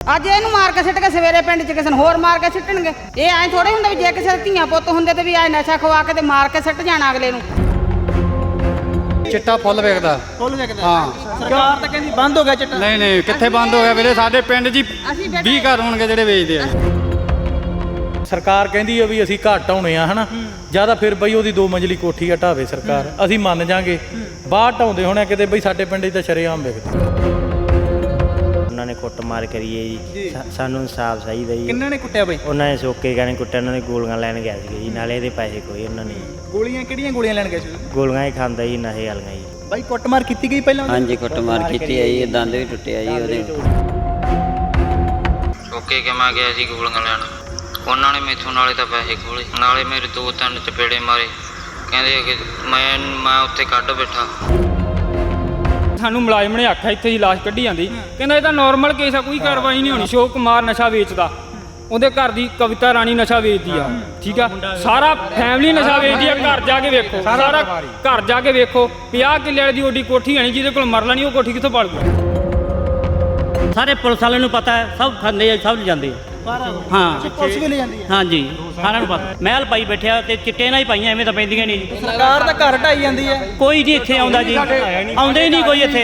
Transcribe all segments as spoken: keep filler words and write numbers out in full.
ਅੱਜ ਇਹਨੂੰ ਮਾਰ ਕੇ ਸਿੱਟ ਕੇ ਸਵੇਰੇ ਪਿੰਡ 'ਚ ਕਿਸੇ ਨੂੰ ਹੋਰ ਮਾਰ ਕੇ ਸਿੱਟਣਗੇ। ਇਹ ਐਂ ਥੋੜੇ ਹੁੰਦਾ ਵੀ ਜੇ ਕਿਸੇ ਦੇ ਧੀਆਂ ਪੁੱਤ ਹੁੰਦੇ ਤੇ ਵੀ ਐ ਨਸ਼ਾ ਖਵਾ ਕੇ ਤੇ ਮਾਰ ਕੇ ਸਿੱਟ ਜਾਣਾ ਅਗਲੇ ਨੂੰ। ਚਿੱਟਾ ਫੁੱਲ ਵੇਖਦਾ ਫੁੱਲ ਵੇਖਦਾ ਹਾਂ। ਸਰਕਾਰ ਤਾਂ ਕਹਿੰਦੀ ਬੰਦ ਹੋ ਗਿਆ ਚਿੱਟਾ। ਨਹੀਂ ਨਹੀਂ ਕਿੱਥੇ ਬੰਦ ਹੋ ਗਿਆ ਵੀਰੇ, ਸਾਡੇ ਪਿੰਡ 'ਚ ਵੀਹ ਘਰ ਹੋਣਗੇ ਜਿਹੜੇ ਵੇਚਦੇ ਆ। ਸਰਕਾਰ ਕਹਿੰਦੀ ਆ ਵੀ ਅਸੀਂ ਘੱਟ ਆਉਣੇ ਆ ਹਨਾ, ਜਿਆਦਾ ਫਿਰ ਬਈ ਉਹਦੀ ਦੋ ਮੰਜ਼ਲੀ ਕੋਠੀ ਆ ਢਾਵੇ ਸਰਕਾਰ, ਅਸੀਂ ਮੰਨ ਜਾਾਂਗੇ। ਬਾਹਰ ਢਾਉਂਦੇ ਹੋਣੇ ਕਿਤੇ ਬਈ ਸਾਡੇ ਪਿੰਡ 'ਚ ਤਾਂ ਸ਼ਰੇਆਮ ਵਿਕਦੇ। ਉਹਨਾਂ ਨੇ ਕੁੱਟ ਮਾਰ ਕਰੀਏ ਜੀ, ਸਾਨੂੰ ਇਨਸਾਫ ਚਾਹੀਦਾ ਜੀ। ਕਿੰਨਾਂ ਨੇ ਕੁੱਟਿਆ ਬਈ? ਉਹਨਾਂ ਨੇ ਸੋਕੇ ਗਾਣੇ ਕੁੱਟਿਆ, ਉਹਨਾਂ ਨੇ ਗੋਲੀਆਂ ਲੈਣ ਗਿਆ ਸੀਗੇ ਜੀ, ਨਾਲੇ ਇਹਦੇ ਪੈਸੇ ਕੋਈ ਉਹਨਾਂ ਨੇ। ਗੋਲੀਆਂ ਕਿਹੜੀਆਂ ਗੋਲੀਆਂ ਲੈਣ ਗਏ ਸੀ? ਗੋਲੀਆਂ ਹੀ ਖਾਂਦਾ ਜੀ, ਨਸ਼ੇ ਵਾਲੀਆਂ ਜੀ। ਬਾਈ ਕੁੱਟਮਾਰ ਕੀਤੀ ਗਈ ਪਹਿਲਾਂ? ਹਾਂਜੀ ਕੁੱਟਮਾਰ ਕੀਤੀ ਹੈ ਜੀ, ਦੰਦ ਵੀ ਟੁੱਟਿਆ ਜੀ ਉਹਦੇ। ਸੋਕੇ ਕੇ ਮੈਂ ਗਿਆ ਜੀ ਗੋਲੀਆਂ ਲੈਣ, ਉਹਨਾਂ ਨੇ ਮੈਥੋਂ ਨਾਲੇ ਤਾਂ ਪੈਸੇ ਖੋਲੇ, ਨਾਲੇ ਮੇਰੇ ਦੋ ਤਿੰਨ ਚਪੇੜੇ ਮਾਰੇ। ਕਹਿੰਦੇ ਕਿ ਮੈਂ ਮੈਂ ਉੱਥੇ ਕੱਢ ਬੈਠਾ। ਸਾਨੂੰ ਮੁਲਾਜ਼ਮ ਨੇ ਆਖਿਆ ਇੱਥੇ ਹੀ ਲਾਸ਼ ਕੱਢੀ ਜਾਂਦੀ, ਕਹਿੰਦਾ ਇਹ ਤਾਂ ਨੋਰਮਲ ਕੇਸ ਆ, ਕੋਈ ਕਾਰਵਾਈ ਨਹੀਂ ਹੋਣੀ। ਅਸ਼ੋਕ ਕੁਮਾਰ ਨਸ਼ਾ ਵੇਚਦਾ, ਉਹਦੇ ਘਰ ਦੀ ਕਵਿਤਾ ਰਾਣੀ ਨਸ਼ਾ ਵੇਚਦੀ ਆ, ਠੀਕ ਆ। ਸਾਰਾ ਫੈਮਿਲੀ ਨਸ਼ਾ ਵੇਚਦੀ ਆ। ਘਰ ਜਾ ਕੇ ਵੇਖੋ, ਸਾਰਾ ਘਰ ਜਾ ਕੇ ਵੇਖੋ। ਪੰਜਾਹ ਕਿੱਲੇ ਵਾਲੀ ਦੀ ਓਡੀ ਕੋਠੀ ਆਣੀ, ਜਿਹਦੇ ਕੋਲ ਮਰਲਾ ਨਹੀਂ ਉਹ ਕੋਠੀ ਕਿੱਥੋਂ ਪਾਲੂਗਾ? ਸਾਰੇ ਪੁਲਿਸ ਵਾਲਿਆਂ ਨੂੰ ਪਤਾ ਹੈ, ਸਭ ਖਾਂਦੇ ਆ, ਸਭ ਜਾਂਦੇ ਹਾਂ। ਪੁਲਿਸ ਵੀ ਲੈ ਜਾਂਦੀ ਹੈ? ਹਾਂਜੀ ਸਾਰਿਆਂ ਨੂੰ ਪਤਾ। ਮਹਿਲ ਪਾਈ ਬੈਠਿਆ ਤੇ ਚਿੱਟੇ ਨਾਲ ਹੀ ਪਾਈਆਂ, ਐਵੇਂ ਤਾਂ ਪੈਂਦੀਆਂ ਨਹੀਂ ਜੀ। ਸਰਕਾਰ ਤਾਂ ਘਰ ਢਾਈ ਜਾਂਦੀ ਹੈ, ਕੋਈ ਨਹੀਂ ਇੱਥੇ ਆਉਂਦਾ ਜੀ, ਆਉਂਦੇ ਹੀ ਨਹੀਂ ਕੋਈ ਇੱਥੇ।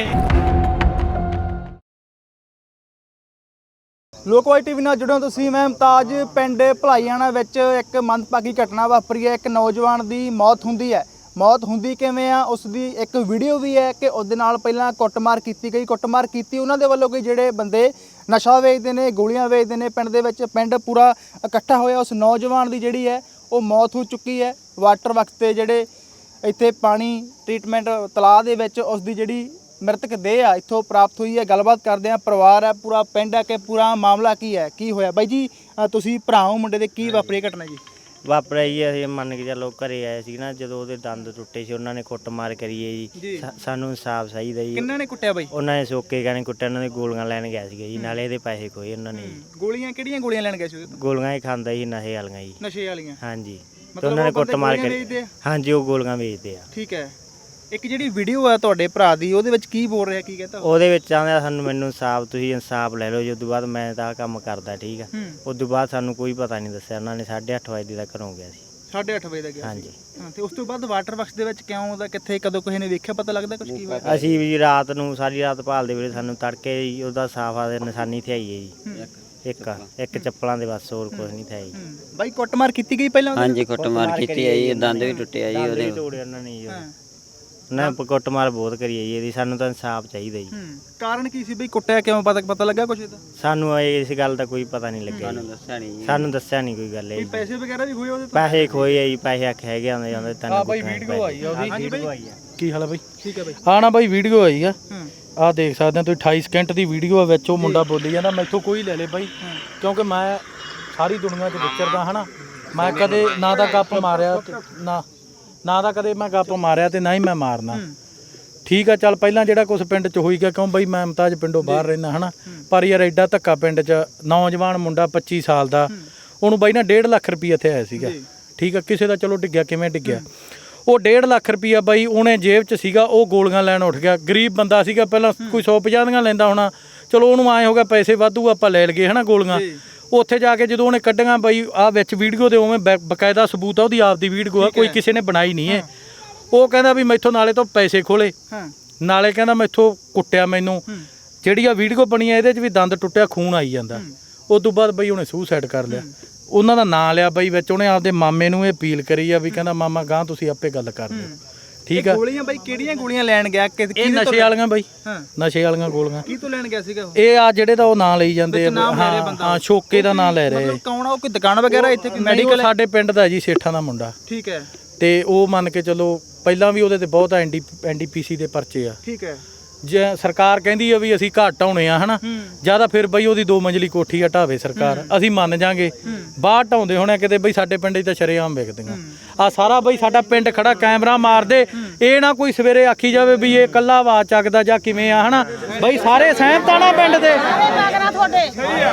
ਲੋਕਵਾਈ ਟੀਵੀ ਨਾਲ ਜੁੜਿਓ ਤੁਸੀਂ। ਮੈਂ ਮੁਮਤਾਜ ਪਿੰਡ ਭਲਾਈਆਣਾ ਵਿੱਚ ਇੱਕ ਮੰਦਭਾਗੀ ਘਟਨਾ ਵਾਪਰੀ ਹੈ। ਇੱਕ ਨੌਜਵਾਨ ਦੀ ਮੌਤ ਹੁੰਦੀ ਹੈ। ਮੌਤ ਹੁੰਦੀ ਕਿਵੇਂ ਆ ਉਸ ਦੀ ਇੱਕ ਵੀਡੀਓ ਵੀ ਹੈ ਕਿ ਉਹਦੇ ਨਾਲ ਪਹਿਲਾਂ ਕੁੱਟਮਾਰ ਕੀਤੀ ਗਈ। ਕੁੱਟਮਾਰ ਕੀਤੀ ਉਹਨਾਂ ਦੇ ਵੱਲੋਂ ਕਿ ਜਿਹੜੇ ਬੰਦੇ ਨਸ਼ਾ ਵੇਚਦੇ ਨੇ, ਗੋਲੀਆਂ ਵੇਚਦੇ ਨੇ। ਪਿੰਡ ਦੇ ਵਿੱਚ ਪਿੰਡ ਪੂਰਾ ਇਕੱਠਾ ਹੋਇਆ। ਉਸ ਨੌਜਵਾਨ ਦੀ ਜਿਹੜੀ ਹੈ ਉਹ ਮੌਤ ਹੋ ਚੁੱਕੀ ਹੈ। ਵਾਟਰ ਵਕਤ ਤੇ ਜਿਹੜੇ ਇੱਥੇ ਪਾਣੀ ਟ੍ਰੀਟਮੈਂਟ ਤਲਾਅ ਦੇ ਵਿੱਚ ਉਸ ਦੀ ਜਿਹੜੀ ਮ੍ਰਿਤਕ ਦੇਹ ਆ ਇੱਥੋਂ ਪ੍ਰਾਪਤ ਹੋਈ ਹੈ। ਗੱਲਬਾਤ ਕਰਦੇ ਆ, ਪਰਿਵਾਰ ਹੈ, ਪੂਰਾ ਪਿੰਡ ਹੈ ਕਿ ਪੂਰਾ ਮਾਮਲਾ ਕੀ ਹੈ, ਕੀ ਹੋਇਆ? ਬਾਈ ਜੀ ਤੁਸੀਂ ਭਰਾ ਹੋ ਮੁੰਡੇ ਦੇ, ਕੀ ਵਾਪਰੀ ਘਟਨਾ ਜੀ? ਵਾਪਰਿਆ ਜੀ, ਅਸੀਂ ਮੰਨ ਕੇ ਚੱਲੋ ਘਰੇ ਆਏ ਸੀ ਨਾ, ਜਦੋਂ ਉਹਦੇ ਦੰਦ ਟੁੱਟੇ ਸੀ, ਉਹਨਾਂ ਨੇ ਕੁੱਟ ਮਾਰ ਕਰੀਏ ਜੀ। ਸਾਨੂੰ ਇਨਸਾਫ ਚਾਹੀਦਾ ਜੀ। ਕਿੰਨਾਂ ਨੇ ਕੁੱਟਿਆ ਬਾਈ? ਉਹਨਾਂ ਨੇ ਸੋਕੇ ਗਾਣੇ ਕੁੱਟਿਆ, ਉਹਨਾਂ ਨੇ ਗੋਲੀਆਂ ਲੈਣ ਗਿਆ ਸੀਗਾ ਜੀ, ਨਾਲੇ ਇਹਦੇ ਪੈਸੇ ਕੋਈ ਉਹਨਾਂ ਨੇ। ਗੋਲੀਆਂ ਕਿਹੜੀਆਂ ਗੋਲੀਆਂ ਲੈਣ ਗਏ ਸੀ? ਗੋਲੀਆਂ ਹੀ ਖਾਂਦਾ ਜੀ, ਨਸ਼ੇ ਵਾਲੀਆਂ ਜੀ। ਨਸ਼ੇ ਵਾਲੀਆਂ? ਹਾਂਜੀ, ਤੇ ਉਹਨਾਂ ਨੇ ਕੁੱਟ ਮਾਰ ਕਰੀ। ਹਾਂਜੀ, ਉਹ ਗੋਲੀਆਂ ਵੇਚਦੇ ਆ। ਠੀਕ ਹੈ। ਇੱਕ ਜਿਹੜੀ ਵੀਡੀਓ ਆ ਤੁਹਾਡੇ ਭਰਾ ਦੀ, ਉਹਦੇ ਵਿੱਚ ਕੀ ਬੋਲ ਰਿਹਾ, ਕੀ ਕਹਿੰਦਾ? ਉਹਦੇ ਵਿੱਚ ਆਂਦਾ ਸਾਨੂੰ ਮੈਨੂੰ ਇਨਸਾਫ, ਤੁਸੀਂ ਇਨਸਾਫ ਲੈ ਲਓ ਜੀ। ਉਸ ਤੋਂ ਬਾਅਦ ਮੈਂ ਤਾਂ ਕੰਮ ਕਰਦਾ, ਠੀਕ ਆ। ਉਸ ਤੋਂ ਬਾਅਦ ਸਾਨੂੰ ਕੋਈ ਪਤਾ ਨਹੀਂ ਦੱਸਿਆ। ਉਹਨਾਂ ਨੇ ਸਾਢੇ ਅੱਠ ਵਜੇ ਦਾ ਘਰੋਂ ਗਿਆ ਸੀ। ਸਾਢੇ ਅੱਠ ਵਜੇ ਦਾ ਗਿਆ? ਹਾਂਜੀ। ਹਾਂ, ਤੇ ਉਸ ਤੋਂ ਬਾਅਦ ਵਾਟਰ ਬਾਕਸ ਦੇ ਵਿੱਚ ਕਿਉਂ ਉਹਦਾ, ਕਿੱਥੇ, ਕਦੋਂ ਕਿਸੇ ਨੇ ਵੇਖਿਆ, ਪਤਾ ਲੱਗਦਾ ਕੁਝ? ਕੀ ਹੋਇਆ? ਅਸੀਂ ਵੀ ਰਾਤ ਨੂੰ ਸਾਰੀ ਰਾਤ ਭਾਲਦੇ ਵੇਲੇ ਸਾਨੂੰ ਤੜਕੇ ਹੀ ਉਹਦਾ ਸਾਫਾ ਦੇ ਨਿਸ਼ਾਨੀ ਤੇ ਆਈ ਹੈ ਜੀ। ਇੱਕ ਇੱਕ ਚੱਪਲਾਂ ਦੇ ਬਸ, ਹੋਰ ਕੁਝ ਨਹੀਂ ਥਿਆ ਜੀ। ਬਾਈ ਕੁੱਟਮਾਰ ਕੀਤੀ ਗਈ ਪਹਿਲਾਂ? ਹਾਂਜੀ ਕੁੱਟਮਾਰ ਕੀਤੀ ਹੈ ਜੀ, ਦੰਦ ਵੀ ਟੁੱਟਿਆ ਜੀ ਉਹਦੇ। ਤੋੜੇ ਉਹਨਾਂ ਨੇ ਜੀ, ਉਹਨਾਂ ਨੇ ਕੁੱਟਮਾਰ ਬਹੁਤ ਕਰੀ ਹੈ ਜੀ ਇਹਦੀ। ਸਾਨੂੰ ਤਾਂ ਇਨਸਾਫ ਚਾਹੀਦਾ ਜੀ। ਕਾਰਨ ਕੀ ਸੀ ਬਈ, ਕੁੱਟਿਆ ਕਿਉਂ, ਪਤਾ ਪਤਾ ਲੱਗਾ ਕੁਝ ਇਹਦਾ? ਸਾਨੂੰ ਇਸ ਗੱਲ ਦਾ ਕੋਈ ਪਤਾ ਨਹੀਂ ਲੱਗਿਆ। ਸਾਨੂੰ ਦੱਸਿਆ ਨਹੀਂ ਜੀ। ਸਾਨੂੰ ਦੱਸਿਆ ਨਹੀਂ ਕੋਈ ਗੱਲ। ਕੋਈ ਪੈਸੇ ਵਗੈਰਾ ਵੀ ਹੋਏ ਉਹਦੇ ਤੋਂ? ਪੈਸੇ ਖੋਏ ਆ ਜੀ, ਪੈਸੇ ਆਖੇ ਹੈਗੇ ਆਉਂਦੇ ਜਾਂਦੇ ਤੈਨੂੰ। ਆ ਬਾਈ ਵੀਡੀਓ ਆਈ ਆ ਉਹਦੀ। ਹਾਂਜੀ ਬਾਈ, ਕੀ ਹਾਲ ਆ ਬਾਈ? ਠੀਕ ਹੈ ਬਾਈ। ਹਾਂ ਨਾ ਬਾਈ ਵੀਡੀਓ ਆਈ ਆ, ਆਹ ਦੇਖ ਸਕਦੇ ਹੋ ਤੁਸੀਂ। ਅਠਾਈ ਸਕਿੰਟ ਦੀ ਵੀਡੀਓ ਆ, ਵਿੱਚ ਉਹ ਮੁੰਡਾ ਬੋਲੀ ਜਾਂਦਾ ਮੈਥੋਂ ਕੋਈ ਲੈ ਲੇ ਬਾਈ, ਕਿਉਂਕਿ ਮੈਂ ਸਾਰੀ ਦੁਨੀਆ 'ਚ ਵਿਚਰਦਾ ਹਨਾ। ਮੈਂ ਕਦੇ ਨਾ ਤਾਂ ਗੱਪ ਮਾਰਿਆ ਨਾ ਨਾ ਤਾਂ ਕਦੇ ਮੈਂ ਗੱਪ ਮਾਰਿਆ ਤੇ ਨਾ ਹੀ ਮੈਂ ਮਾਰਨਾ, ਠੀਕ ਆ। ਚੱਲ ਪਹਿਲਾਂ ਜਿਹੜਾ ਕੁਛ ਪਿੰਡ 'ਚ ਹੋਈ ਗਿਆ, ਕਿਉਂ ਬਈ ਮੈਂ ਮੁਮਤਾਜ ਪਿੰਡੋਂ ਬਾਹਰ ਰਹਿਣਾ ਹਨਾ। ਪਰ ਯਾਰ ਐਡਾ ਧੱਕਾ ਪਿੰਡ 'ਚ, ਨੌਜਵਾਨ ਮੁੰਡਾ ਪੱਚੀ ਸਾਲ ਦਾ, ਉਹਨੂੰ ਬਾਈ ਨਾ ਡੇਢ ਲੱਖ ਰੁਪਈਆ ਇੱਥੇ ਆਇਆ ਸੀਗਾ, ਠੀਕ ਆ। ਕਿਸੇ ਦਾ ਚਲੋ ਡਿੱਗਿਆ, ਕਿਵੇਂ ਡਿੱਗਿਆ, ਉਹ ਡੇਢ ਲੱਖ ਰੁਪਈਆ ਬਾਈ ਉਹਨੇ ਜੇਬ 'ਚ ਸੀਗਾ, ਉਹ ਗੋਲੀਆਂ ਲੈਣ ਉੱਠ ਗਿਆ। ਗਰੀਬ ਬੰਦਾ ਸੀਗਾ, ਪਹਿਲਾਂ ਕੋਈ ਸੌ ਪੰਜਾਹ ਦੀਆਂ ਲੈਂਦਾ ਹੋਣਾ, ਚਲੋ ਉਹਨੂੰ ਆਏ ਹੋ ਗਿਆ ਪੈਸੇ ਵਾਧੂ, ਆਪਾਂ ਲੈ ਲਈਏ ਹਨਾ ਗੋਲੀਆਂ। ਉੱਥੇ ਜਾ ਕੇ ਜਦੋਂ ਉਹਨੇ ਕੱਢੀਆਂ ਬਾਈ, ਆਹ ਵਿੱਚ ਵੀਡੀਓ ਦੇ ਉਵੇਂ ਬਕਾਇਦਾ ਸਬੂਤ ਆ, ਉਹਦੀ ਆਪਦੀ ਵੀਡੀਓ ਆ, ਕੋਈ ਕਿਸੇ ਨੇ ਬਣਾਈ ਨਹੀਂ ਹੈ। ਉਹ ਕਹਿੰਦਾ ਵੀ ਮੈਥੋਂ ਨਾਲੇ ਤੋਂ ਪੈਸੇ ਖੋਲੇ, ਨਾਲੇ ਕਹਿੰਦਾ ਮੈਥੋਂ ਕੁੱਟਿਆ ਮੈਨੂੰ। ਜਿਹੜੀ ਆ ਵੀਡੀਓ ਬਣੀ ਆ ਇਹਦੇ 'ਚ ਵੀ ਦੰਦ ਟੁੱਟਿਆ, ਖੂਨ ਆਈ ਜਾਂਦਾ। ਉਸ ਤੋਂ ਬਾਅਦ ਬਈ ਉਹਨੇ ਸੁਸਾਈਡ ਕਰ ਲਿਆ। ਉਹਨਾਂ ਦਾ ਨਾਂ ਲਿਆ ਬਈ ਵਿੱਚ, ਉਹਨੇ ਆਪਦੇ ਮਾਮੇ ਨੂੰ ਇਹ ਅਪੀਲ ਕਰੀ ਆ ਵੀ ਕਹਿੰਦਾ ਮਾਮਾ ਗਾਂ ਤੁਸੀਂ ਆਪੇ ਗੱਲ ਕਰ ਦਿਓ, ਠੀਕ ਆ। ਗੋਲੀਆਂ ਬਾਈ ਕਿਹੜੀਆਂ ਗੋਲੀਆਂ ਲੈਣ ਗਿਆ? ਇਹ ਨਸ਼ੇ ਵਾਲੀਆਂ ਬਾਈ, ਨਸ਼ੇ ਵਾਲੀਆਂ ਗੋਲੀਆਂ। ਕੀ ਤੋਂ ਲੈਣ ਗਿਆ ਸੀਗਾ ਇਹ? ਆ ਜਿਹੜੇ ਦਾ ਉਹ ਨਾਂ ਲਈ ਜਾਂਦੇ ਆ, ਹਾਂ ਸ਼ੋਕੇ ਦਾ ਨਾਂ ਲੈ ਰਹੇ। ਕੌਣ ਆ ਉਹ? ਕੋਈ ਦੁਕਾਨ ਵਗੈਰਾ ਇੱਥੇ, ਕੋਈ ਮੈਡੀਕਲ? ਸਾਡੇ ਪਿੰਡ ਦਾ ਜੀ, ਸੇਠਾਂ ਦਾ ਮੁੰਡਾ। ਠੀਕ ਹੈ। ਤੇ ਉਹ ਮੰਨ ਕੇ ਚਲੋ ਪਹਿਲਾਂ ਵੀ ਉਹਦੇ ਤੇ ਬਹੁਤ ਐਨਡੀ ਐਨਡੀਪੀਸੀ ਦੇ ਪਰਚੇ ਆ। ਠੀਕ ਹੈ। ਜੇ ਸਰਕਾਰ ਕਹਿੰਦੀ ਆ ਵੀ ਅਸੀਂ ਘੱਟ ਆਉਣੇ ਆ ਹਨਾ, ਜਿਆਦਾ ਫਿਰ ਬਈ ਉਹਦੀ ਦੋ ਮੰਜ਼ਲੀ ਕੋਠੀ ਆ ਢਾਵੇ ਸਰਕਾਰ, ਅਸੀਂ ਮੰਨ ਜਾਾਂਗੇ। ਬਾਹਰ ਢਾਉਂਦੇ ਹੋਣੇ ਕਿਤੇ ਬਈ ਸਾਡੇ ਪਿੰਡ 'ਚ ਤਾਂ ਸ਼ਰੇਆਮ ਵਿਕਦੀਆਂ। ਆ ਸਾਰਾ ਬਈ ਸਾਡਾ ਪਿੰਡ ਖੜਾ, ਕੈਮਰਾ ਮਾਰਦੇ, ਇਹ ਨਾ ਕੋਈ ਸਵੇਰੇ ਆਖੀ ਜਾਵੇ ਵੀ ਇਹ ਇਕੱਲਾ ਆਵਾਜ਼ ਚੱਕਦਾ ਜਾਂ ਕਿਵੇਂ ਆ ਹਨਾ। ਬਈ ਸਾਰੇ ਸਹਿਮਤ ਆ ਨਾ ਪਿੰਡ ਦੇ? ਤੁਹਾਡੇ ਸਾਰੇ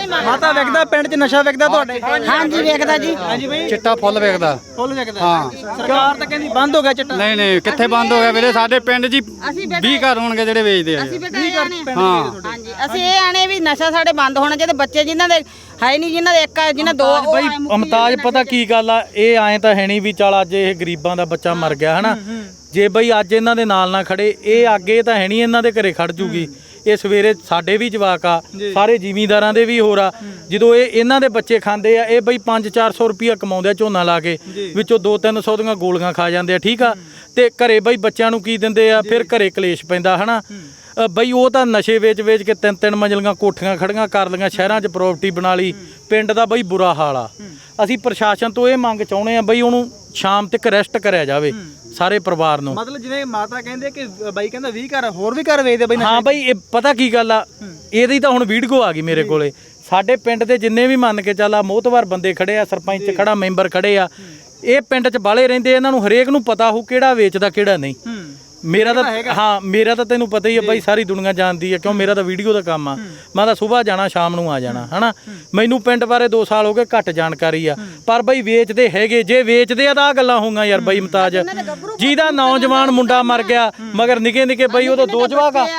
ਮਾਤਾ ਵਿਕਦਾ ਪਿੰਡ 'ਚ ਨਸ਼ਾ ਵਿਕਦਾ ਤੁਹਾਡੇ? ਹਾਂਜੀ ਵੇਖਦਾ ਜੀ। ਹਾਂਜੀ ਬਈ ਚਿੱਟਾ ਫੁੱਲ ਵੇਖਦਾ। ਫੁੱਲ ਵਿਕਦਾ? ਹਾਂ। ਸਰਕਾਰ ਤਾਂ ਕਹਿੰਦੀ ਬੰਦ ਹੋ ਗਿਆ ਚਿੱਟਾ। ਨਹੀਂ ਨਹੀਂ ਕਿੱਥੇ ਬੰਦ ਹੋ ਗਿਆ ਵੀਰੇ, ਸਾਡੇ ਪਿੰਡ 'ਚ ਵੀਹ ਘਰ ਹੋਣਗੇ ਜਿਹੜੇ ਵੇਚਦੇ ਆ। ਅਸੀਂ ਬੇਟਾ ਇਹ ਆਣੇ ਆ। ਹਾਂ ਹਾਂਜੀ ਅਸੀਂ ਇਹ ਆਣੇ ਵੀ ਨਸ਼ਾ ਸਾਡੇ ਬੰਦ ਹੋਣਾ ਚਾਹੀਦਾ। ਬੱਚੇ ਜਿਨ੍ਹਾਂ ਦੇ ਹੈ ਨਹੀਂ, ਜਿਨ੍ਹਾਂ ਦੇ ਇੱਕ ਆ, ਜਿਨ੍ਹਾਂ ਦੋ ਉਹ ਬਈ ਐਂ ਮੁੱਕੀ ਅਮਤਾਜ ਜਾਂਦੇ ਪਤਾ ਕੀ ਗੱਲ ਆ, ਇਹ ਐਂ ਤਾਂ ਹੈ ਨਹੀਂ ਵੀ ਚੱਲ ਅੱਜ ਇਹ ਗਰੀਬਾਂ ਦਾ ਬੱਚਾ ਮਰ ਗਿਆ ਹਨਾ, ਜੇ ਬਈ ਅੱਜ ਇਹਨਾਂ ਦੇ ਨਾਲ ਨਾ ਖੜੇ ਇਹ ਅੱਗੇ ਤਾਂ ਹੈ ਨਹੀਂ ਇਹਨਾਂ ਦੇ ਘਰੇ ਖੜ ਜੂਗੀ। ਇਹ ਸਵੇਰੇ ਸਾਡੇ ਵੀ ਜਵਾਕ ਆ, ਸਾਰੇ ਜ਼ਿਮੀਂਦਾਰਾਂ ਦੇ ਵੀ ਹੋਰ ਆ, ਜਦੋਂ ਇਹ ਇਹਨਾਂ ਦੇ ਬੱਚੇ ਖਾਂਦੇ ਆ ਇਹ ਬਈ ਪੰਜ ਚਾਰ ਸੌ ਰੁਪਈਆ ਕਮਾਉਂਦੇ ਆ ਝੋਨਾ ਲਾ ਕੇ, ਵਿੱਚੋਂ ਦੋ ਤਿੰਨ ਸੌ ਦੀਆਂ ਗੋਲੀਆਂ ਖਾ ਜਾਂਦੇ ਆ। ਠੀਕ ਆ, ਤੇ ਘਰੇ ਬਈ ਬੱਚਿਆਂ ਨੂੰ ਕੀ ਦਿੰਦੇ ਆ, ਫਿਰ ਘਰੇ ਕਲੇਸ਼ ਪੈਂਦਾ ਹਨਾ। ਬਈ ਉਹ ਤਾਂ ਨਸ਼ੇ ਵੇਚ ਵੇਚ ਕੇ ਤਿੰਨ ਤਿੰਨ ਮੰਜ਼ਲੀਆਂ ਕੋਠੀਆਂ ਖੜੀਆਂ ਕਰ ਲਈਆਂ, ਸ਼ਹਿਰਾਂ 'ਚ ਪ੍ਰਾਪਰਟੀ ਬਣਾ ਲਈ, ਪਿੰਡ ਦਾ ਬਈ ਬੁਰਾ ਹਾਲ ਆ। ਅਸੀਂ ਪ੍ਰਸ਼ਾਸਨ ਤੋਂ ਇਹ ਮੰਗ ਚਾਹੁੰਦੇ ਆ ਬਈ ਉਹਨੂੰ ਸ਼ਾਮ ਤੱਕ ਅਰੈਸਟ ਕਰਿਆ ਜਾਵੇ ਸਾਰੇ ਪਰਿਵਾਰ ਨੂੰ। ਮਤਲਬ ਜਿਵੇਂ ਮਾਤਾ ਕਹਿੰਦੇ ਕਿ ਬਾਈ ਕਹਿੰਦਾ ਵੀਹ ਘਰ ਹੋਰ ਵੀ ਘਰ ਵੇਚਦੇ ਬਈ। ਹਾਂ ਬਈ ਇਹ ਪਤਾ ਕੀ ਗੱਲ ਆ, ਇਹਦੀ ਤਾਂ ਹੁਣ ਵੀਡੀਓ ਆ ਗਈ ਮੇਰੇ ਕੋਲੇ। ਸਾਡੇ ਪਿੰਡ ਦੇ ਜਿੰਨੇ ਵੀ ਮੰਨ ਕੇ ਚੱਲ ਆ ਮੋਹਤਵਾਰ ਬੰਦੇ ਖੜੇ ਆ, ਸਰਪੰਚ ਖੜਾ, ਮੈਂਬਰ ਖੜੇ ਆ, ਇਹ ਪਿੰਡ 'ਚ ਬਾਲੇ ਰਹਿੰਦੇ, ਇਹਨਾਂ ਨੂੰ ਹਰੇਕ ਨੂੰ ਪਤਾ ਹੋ ਕਿਹੜਾ ਵੇਚਦਾ ਕਿਹੜਾ ਨਹੀਂ। ਮੇਰਾ ਤਾਂ ਹਾਂ ਮੇਰਾ ਤਾਂ ਤੈਨੂੰ ਪਤਾ ਹੀ ਆ ਬਾਈ, ਸਾਰੀ ਦੁਨੀਆ ਜਾਣਦੀ ਆ, ਕਿਉਂ ਮੇਰਾ ਤਾਂ ਵੀਡੀਓ ਦਾ ਕੰਮ ਆ। ਮੈਂ ਤਾਂ ਸਵੇਰ ਜਾਣਾ ਸ਼ਾਮ ਨੂੰ ਆ ਜਾਣਾ ਹਨਾ। ਮੈਨੂੰ ਪਿੰਡ ਬਾਰੇ ਦੋ ਸਾਲ ਹੋ ਗਏ, ਘੱਟ ਜਾਣਕਾਰੀ ਆ, ਪਰ ਬਈ ਵੇਚਦੇ ਹੈਗੇ। ਜੇ ਵੇਚਦੇ ਆ ਤਾਂ ਆ ਗੱਲਾਂ ਹੋਊਗਾ ਯਾਰ ਬਈ ਮਤਾਜ, ਜਿਹਦਾ ਨੌਜਵਾਨ ਮੁੰਡਾ ਮਰ ਗਿਆ ਮਗਰ ਨਿੱਕੇ ਨਿੱਕੇ ਬਈ ਉਦੋਂ ਦੋ ਜਵਾਕ ਆ,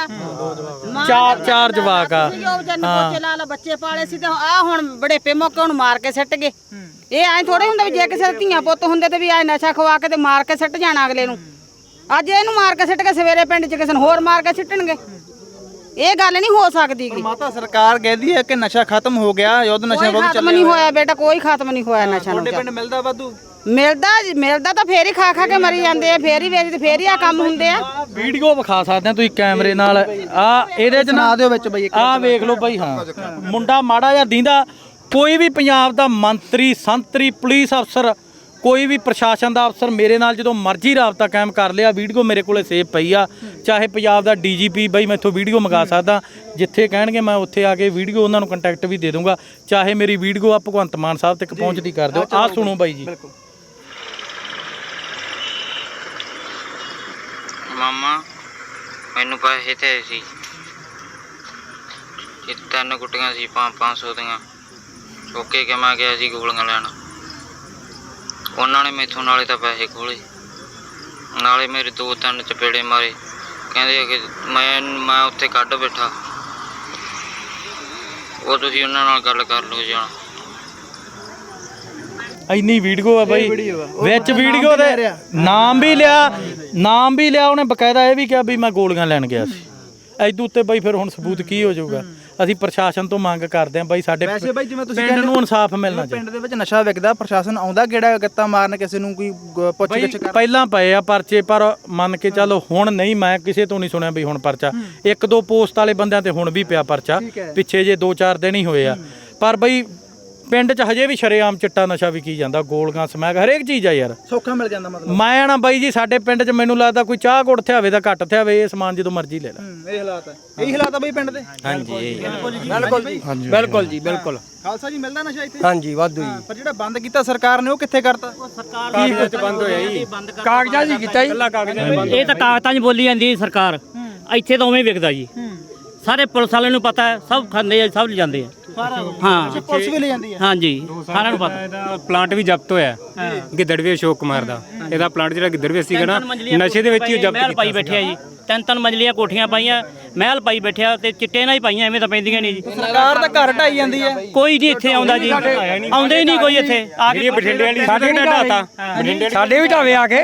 ਚਾਰ ਚਾਰ ਜਵਾਕ ਆ। ਬੱਚੇ ਲਾ ਲਾ ਬੱਚੇ ਪਾਲੇ ਸੀ ਤੇ ਆ ਹੁਣ ਬੜੇ ਪੇ ਮੌਕੇ ਹੁਣ ਮਾਰ ਕੇ ਸਿੱਟ ਗਏ। ਇਹ ਐਂ ਥੋੜੇ ਹੁੰਦਾ ਵੀ ਜੇ ਕਿਸੇ ਦੇ ਧੀਆਂ ਪੁੱਤ ਹੁੰਦੇ ਤੇ ਵੀ ਐ ਨਸ਼ਾ ਖਵਾ ਕੇ ਤੇ ਮਾਰ ਕੇ ਸਿੱਟ ਜਾਣਾ ਅਗਲੇ ਨੂੰ। ਅੱਜ ਇਹਨੂੰ ਮਾਰ ਕੇ ਸਿੱਟ ਕੇ ਸਵੇਰੇ ਪਿੰਡ 'ਚ ਕਿਸੇ ਨੂੰ ਹੋਰ ਮਾਰ ਕੇ ਸਿੱਟਣਗੇ। ਇਹ ਗੱਲ ਨਹੀਂ ਹੋ ਸਕਦੀ ਗੀ। ਮਾਤਾ ਸਰਕਾਰ ਕਹਿੰਦੀ ਹੈ ਕਿ ਨਸ਼ਾ ਖਤਮ ਹੋ ਗਿਆ, ਯੁੱਧ ਨਸ਼ਾ ਕੋਈ ਵਿਰੁੱਧ ਖਤਮ ਨਹੀਂ ਹੋਇਆ ਬੇਟਾ, ਕੋਈ ਖਤਮ ਨਹੀਂ ਹੋਇਆ ਨਸ਼ਾ ਨੂੰ। ਤੁਹਾਡੇ ਪਿੰਡ ਮਿਲਦਾ ਵਾਧੂ? ਮਿਲਦਾ ਮਿਲਦਾ ਤਾਂ ਫੇਰ ਹੀ ਖਾ ਖਾ ਕੇ ਮਰੀ ਜਾਂਦੇ ਆ, ਫੇਰ ਹੀ ਵੇਚਦੇ, ਫੇਰ ਹੀ ਆ ਕੰਮ ਹੁੰਦੇ ਆ। ਵੀਡੀਓ ਵਿਖਾ ਸਕਦੇ ਆ ਤੁਸੀਂ ਕੈਮਰੇ ਨਾਲ। ਆ ਇਹਦੇ 'ਚ ਨਾ ਦਿਓ ਵਿੱਚ ਬਈ, ਆ ਵੇਖ ਲਓ ਬਈ। ਹਾਂ ਮੁੰਡਾ ਮਾੜਾ ਜਿਹਾ ਦੀਂਦਾ, ਕੋਈ ਵੀ ਪੰਜਾਬ ਦਾ ਮੰਤਰੀ, ਸੰਤਰੀ, ਪੁਲਿਸ ਅਫਸਰ, ਕੋਈ ਵੀ ਪ੍ਰਸ਼ਾਸਨ ਦਾ ਅਫਸਰ ਮੇਰੇ ਨਾਲ ਜਦੋਂ ਮਰਜ਼ੀ ਰਾਬਤਾ ਕਾਇਮ ਕਰ ਲਿਆ। ਵੀਡੀਓ ਮੇਰੇ ਕੋਲੇ ਸੇਵ ਪਈ ਆ, ਚਾਹੇ ਪੰਜਾਬ ਦਾ ਡੀਜੀਪੀ ਬਈ ਮੈਥੋਂ ਵੀਡੀਓ ਮੰਗਾ ਸਕਦਾ, ਜਿੱਥੇ ਕਹਿਣਗੇ ਮੈਂ ਉੱਥੇ ਆ ਕੇ ਵੀਡੀਓ ਉਹਨਾਂ ਨੂੰ ਕੰਟੈਕਟ ਵੀ ਦੇ ਦੂੰਗਾ। ਚਾਹੇ ਮੇਰੀ ਵੀਡੀਓ ਆ ਭਗਵੰਤ ਮਾਨ ਸਾਹਿਬ ਤੱਕ ਪਹੁੰਚਦੀ ਕਰ ਦਿਓ। ਆਹ ਸੁਣੋ ਬਾਈ ਜੀ। ਮਾਮਾ ਮੈਨੂੰ ਪੈਸੇ ਤੇ ਸੀ, ਇਹ ਤਿੰਨ ਗੁੱਟੀਆਂ ਸੀ ਪੰਜ ਪੰਜ ਸੌ ਦੀਆਂ, ਓਕੇ ਕਿ ਮੈਂ ਗਿਆ ਸੀ ਗੋਲੀਆਂ ਲੈਣ। ਉਹਨਾਂ ਨੇ ਮੈਥੋਂ ਨਾਲੇ ਤਾਂ ਪੈਸੇ ਖੋਲੇ, ਨਾਲੇ ਮੇਰੇ ਦੋ ਤਿੰਨ ਚਪੇੜੇ ਮਾਰੇ, ਕਹਿੰਦੇ ਕਿ ਮੈਂ ਮੈਂ ਉੱਥੇ ਕੱਢ ਬੈਠਾ। ਉਹ ਤੁਸੀਂ ਉਹਨਾਂ ਨਾਲ ਗੱਲ ਕਰ ਲਓ ਜਾਣਾ। ਇੰਨੀ ਵੀਡੀਓ ਆ ਬਾਈ, ਵਿੱਚ ਵੀਡੀਓ ਦੇ ਨਾਮ ਵੀ ਲਿਆ, ਨਾਮ ਵੀ ਲਿਆ ਉਹਨੇ, ਬਕਾਇਦਾ ਇਹ ਵੀ ਕਿਹਾ ਵੀ ਮੈਂ ਗੋਲੀਆਂ ਲੈਣ ਗਿਆ ਸੀ। ਐਦੂ ਉੱਤੇ ਬਾਈ ਫਿਰ ਹੁਣ ਸਬੂਤ ਕੀ ਹੋ ਜਾਊਗਾ? ਅਸੀਂ ਪ੍ਰਸ਼ਾਸਨ ਤੋਂ ਮੰਗ ਕਰਦੇ ਆਂ ਬਾਈ, ਸਾਡੇ ਵੈਸੇ ਬਾਈ ਜਿਵੇਂ ਤੁਸੀਂ ਪਿੰਡ ਨੂੰ ਇਨਸਾਫ ਮਿਲਣਾ ਚਾਹੀਦਾ। ਪਿੰਡ ਦੇ ਵਿੱਚ ਨਸ਼ਾ ਵਿਕਦਾ, ਪ੍ਰਸ਼ਾਸਨ ਆਉਂਦਾ ਕਿਹੜਾ ਗੱਤਾ ਮਾਰਨ ਕਿਸੇ ਨੂੰ, ਕੋਈ ਪੁੱਛ ਗਿੱਛ ਕਰ? ਪਹਿਲਾਂ ਪਏ ਆ ਪਰਚੇ, ਪਰ ਮੰਨ ਕੇ ਚੱਲੋ ਹੁਣ ਨਹੀਂ, ਮੈਂ ਕਿਸੇ ਤੋਂ ਨਹੀਂ ਸੁਣਿਆ ਵੀ ਹੁਣ ਪਰਚਾ। ਇੱਕ ਦੋ ਪੋਸਟ ਵਾਲੇ ਬੰਦਿਆਂ ਤੇ ਹੁਣ ਵੀ ਪਿਆ ਪਰਚਾ, ਪਿੱਛੇ ਜੇ ਦੋ ਚਾਰ ਦਿਨ ਹੀ ਹੋਏ ਆ। ਪਰ ਬਈ ਪਿੰਡ 'ਚ ਹਜੇ ਵੀ ਸ਼ਰੇਆਮ ਚਿੱਟਾ ਨਸ਼ਾ ਵਿਕੀ ਜਾਂਦਾ, ਗੋਲੀਆਂ, ਸਮੈਕ, ਹਰੇਕ ਚੀਜ਼ ਆ ਯਾਰ, ਸੌਖਾ ਮਿਲ ਜਾਂਦਾ ਮਤਲਬ। ਮੈਂ ਨਾ ਬਾਈ ਜੀ ਸਾਡੇ ਪਿੰਡ 'ਚ ਮੈਨੂੰ ਲੱਗਦਾ ਕੋਈ ਚਾਹ ਗੁੜ ਥਿਆਵੇ ਤਾਂ ਘੱਟ ਥਿਆਵੇ, ਇਹ ਸਮਾਨ ਜਦੋਂ ਮਰਜ਼ੀ ਲੈ ਲੈ। ਇਹ ਹਾਲਾਤ ਹੈ, ਇਹੀ ਹਾਲਾਤ ਆ ਬਈ ਪਿੰਡ ਦੇ। ਹਾਂਜੀ ਬਿਲਕੁਲ ਜੀ, ਬਿਲਕੁਲ ਜੀ, ਬਿਲਕੁਲ। ਖਾਲਸਾ ਜੀ ਮਿਲਦਾ ਨਸ਼ਾ ਇੱਥੇ? ਹਾਂਜੀ ਵਾਧੂ ਜੀ। ਪਰ ਜਿਹੜਾ ਬੰਦ ਕੀਤਾ ਸਰਕਾਰ ਨੇ ਉਹ ਕਿੱਥੇ ਕਰਤਾ? ਕਾਗਜ਼ਾਂ 'ਚ ਬੰਦ ਹੋਇਆ ਜੀ, ਕਾਗਜ਼ਾਂ ਜੀ ਕੀਤਾ ਜੀ। ਇਹ ਤਾਂ ਕਾਗਜ਼ਾਂ 'ਚ ਬੋਲੀ ਜਾਂਦੀ ਸਰਕਾਰ, ਇੱਥੇ ਤਾਂ ਉਵੇਂ ਵਿਕਦਾ ਜੀ। ਸਾਰੇ ਪੁਲਿਸ ਵਾਲਿਆਂ ਨੂੰ ਪਤਾ ਹੈ, ਸਭ ਖਾਂਦੇ ਆ, ਸਭ ਲਿਜਾਂਦੇ ਆ। ਹਾਂ ਪੁਲਿਸ ਵੀ ਲੈ ਜਾਂਦੀ ਹੈ? ਹਾਂਜੀ ਸਾਰਿਆਂ ਨੂੰ ਪਤਾ। ਇਹਦਾ ਪਲਾਂਟ ਵੀ ਜ਼ਬਤ ਹੋਇਆ, ਗਿੱਦੜਵੇ ਅਸ਼ੋਕ ਕੁਮਾਰ ਦਾ। ਇਹਦਾ ਪਲਾਂਟ ਜਿਹੜਾ ਗਿੱਦੜਵੇ ਸੀਗਾ ਨਾ, ਨਸ਼ੇ ਦੇ ਵਿੱਚ ਹੀ ਜ਼ਬਤ ਮਹਿਲ ਪਾਈ ਬੈਠਿਆ ਜੀ, ਤਿੰਨ ਤਿੰਨ ਮੰਜ਼ਲੀਆਂ ਕੋਠੀਆਂ ਪਾਈਆਂ, ਮਹਿਲ ਪਾਈ ਬੈਠਿਆ, ਤੇ ਚਿੱਟੇ ਨਾਲ ਹੀ ਪਾਈਆਂ, ਐਵੇਂ ਤਾਂ ਪੈਂਦੀਆਂ ਨਹੀਂ ਜੀ। ਸਰਕਾਰ ਤਾਂ ਘਰ ਢਾਈ ਜਾਂਦੀ ਹੈ। ਕੋਈ ਨਹੀਂ ਇੱਥੇ ਆਉਂਦਾ ਜੀ, ਆਉਂਦੇ ਹੀ ਨਹੀਂ ਕੋਈ ਇੱਥੇ ਆ ਕੇ। ਬਠਿੰਡੇ ਵਾਲੀ ਸਾਡੇ ਢਾਤਾ, ਸਾਡੇ ਵੀ ਢਾਵੇ ਆ ਕੇ,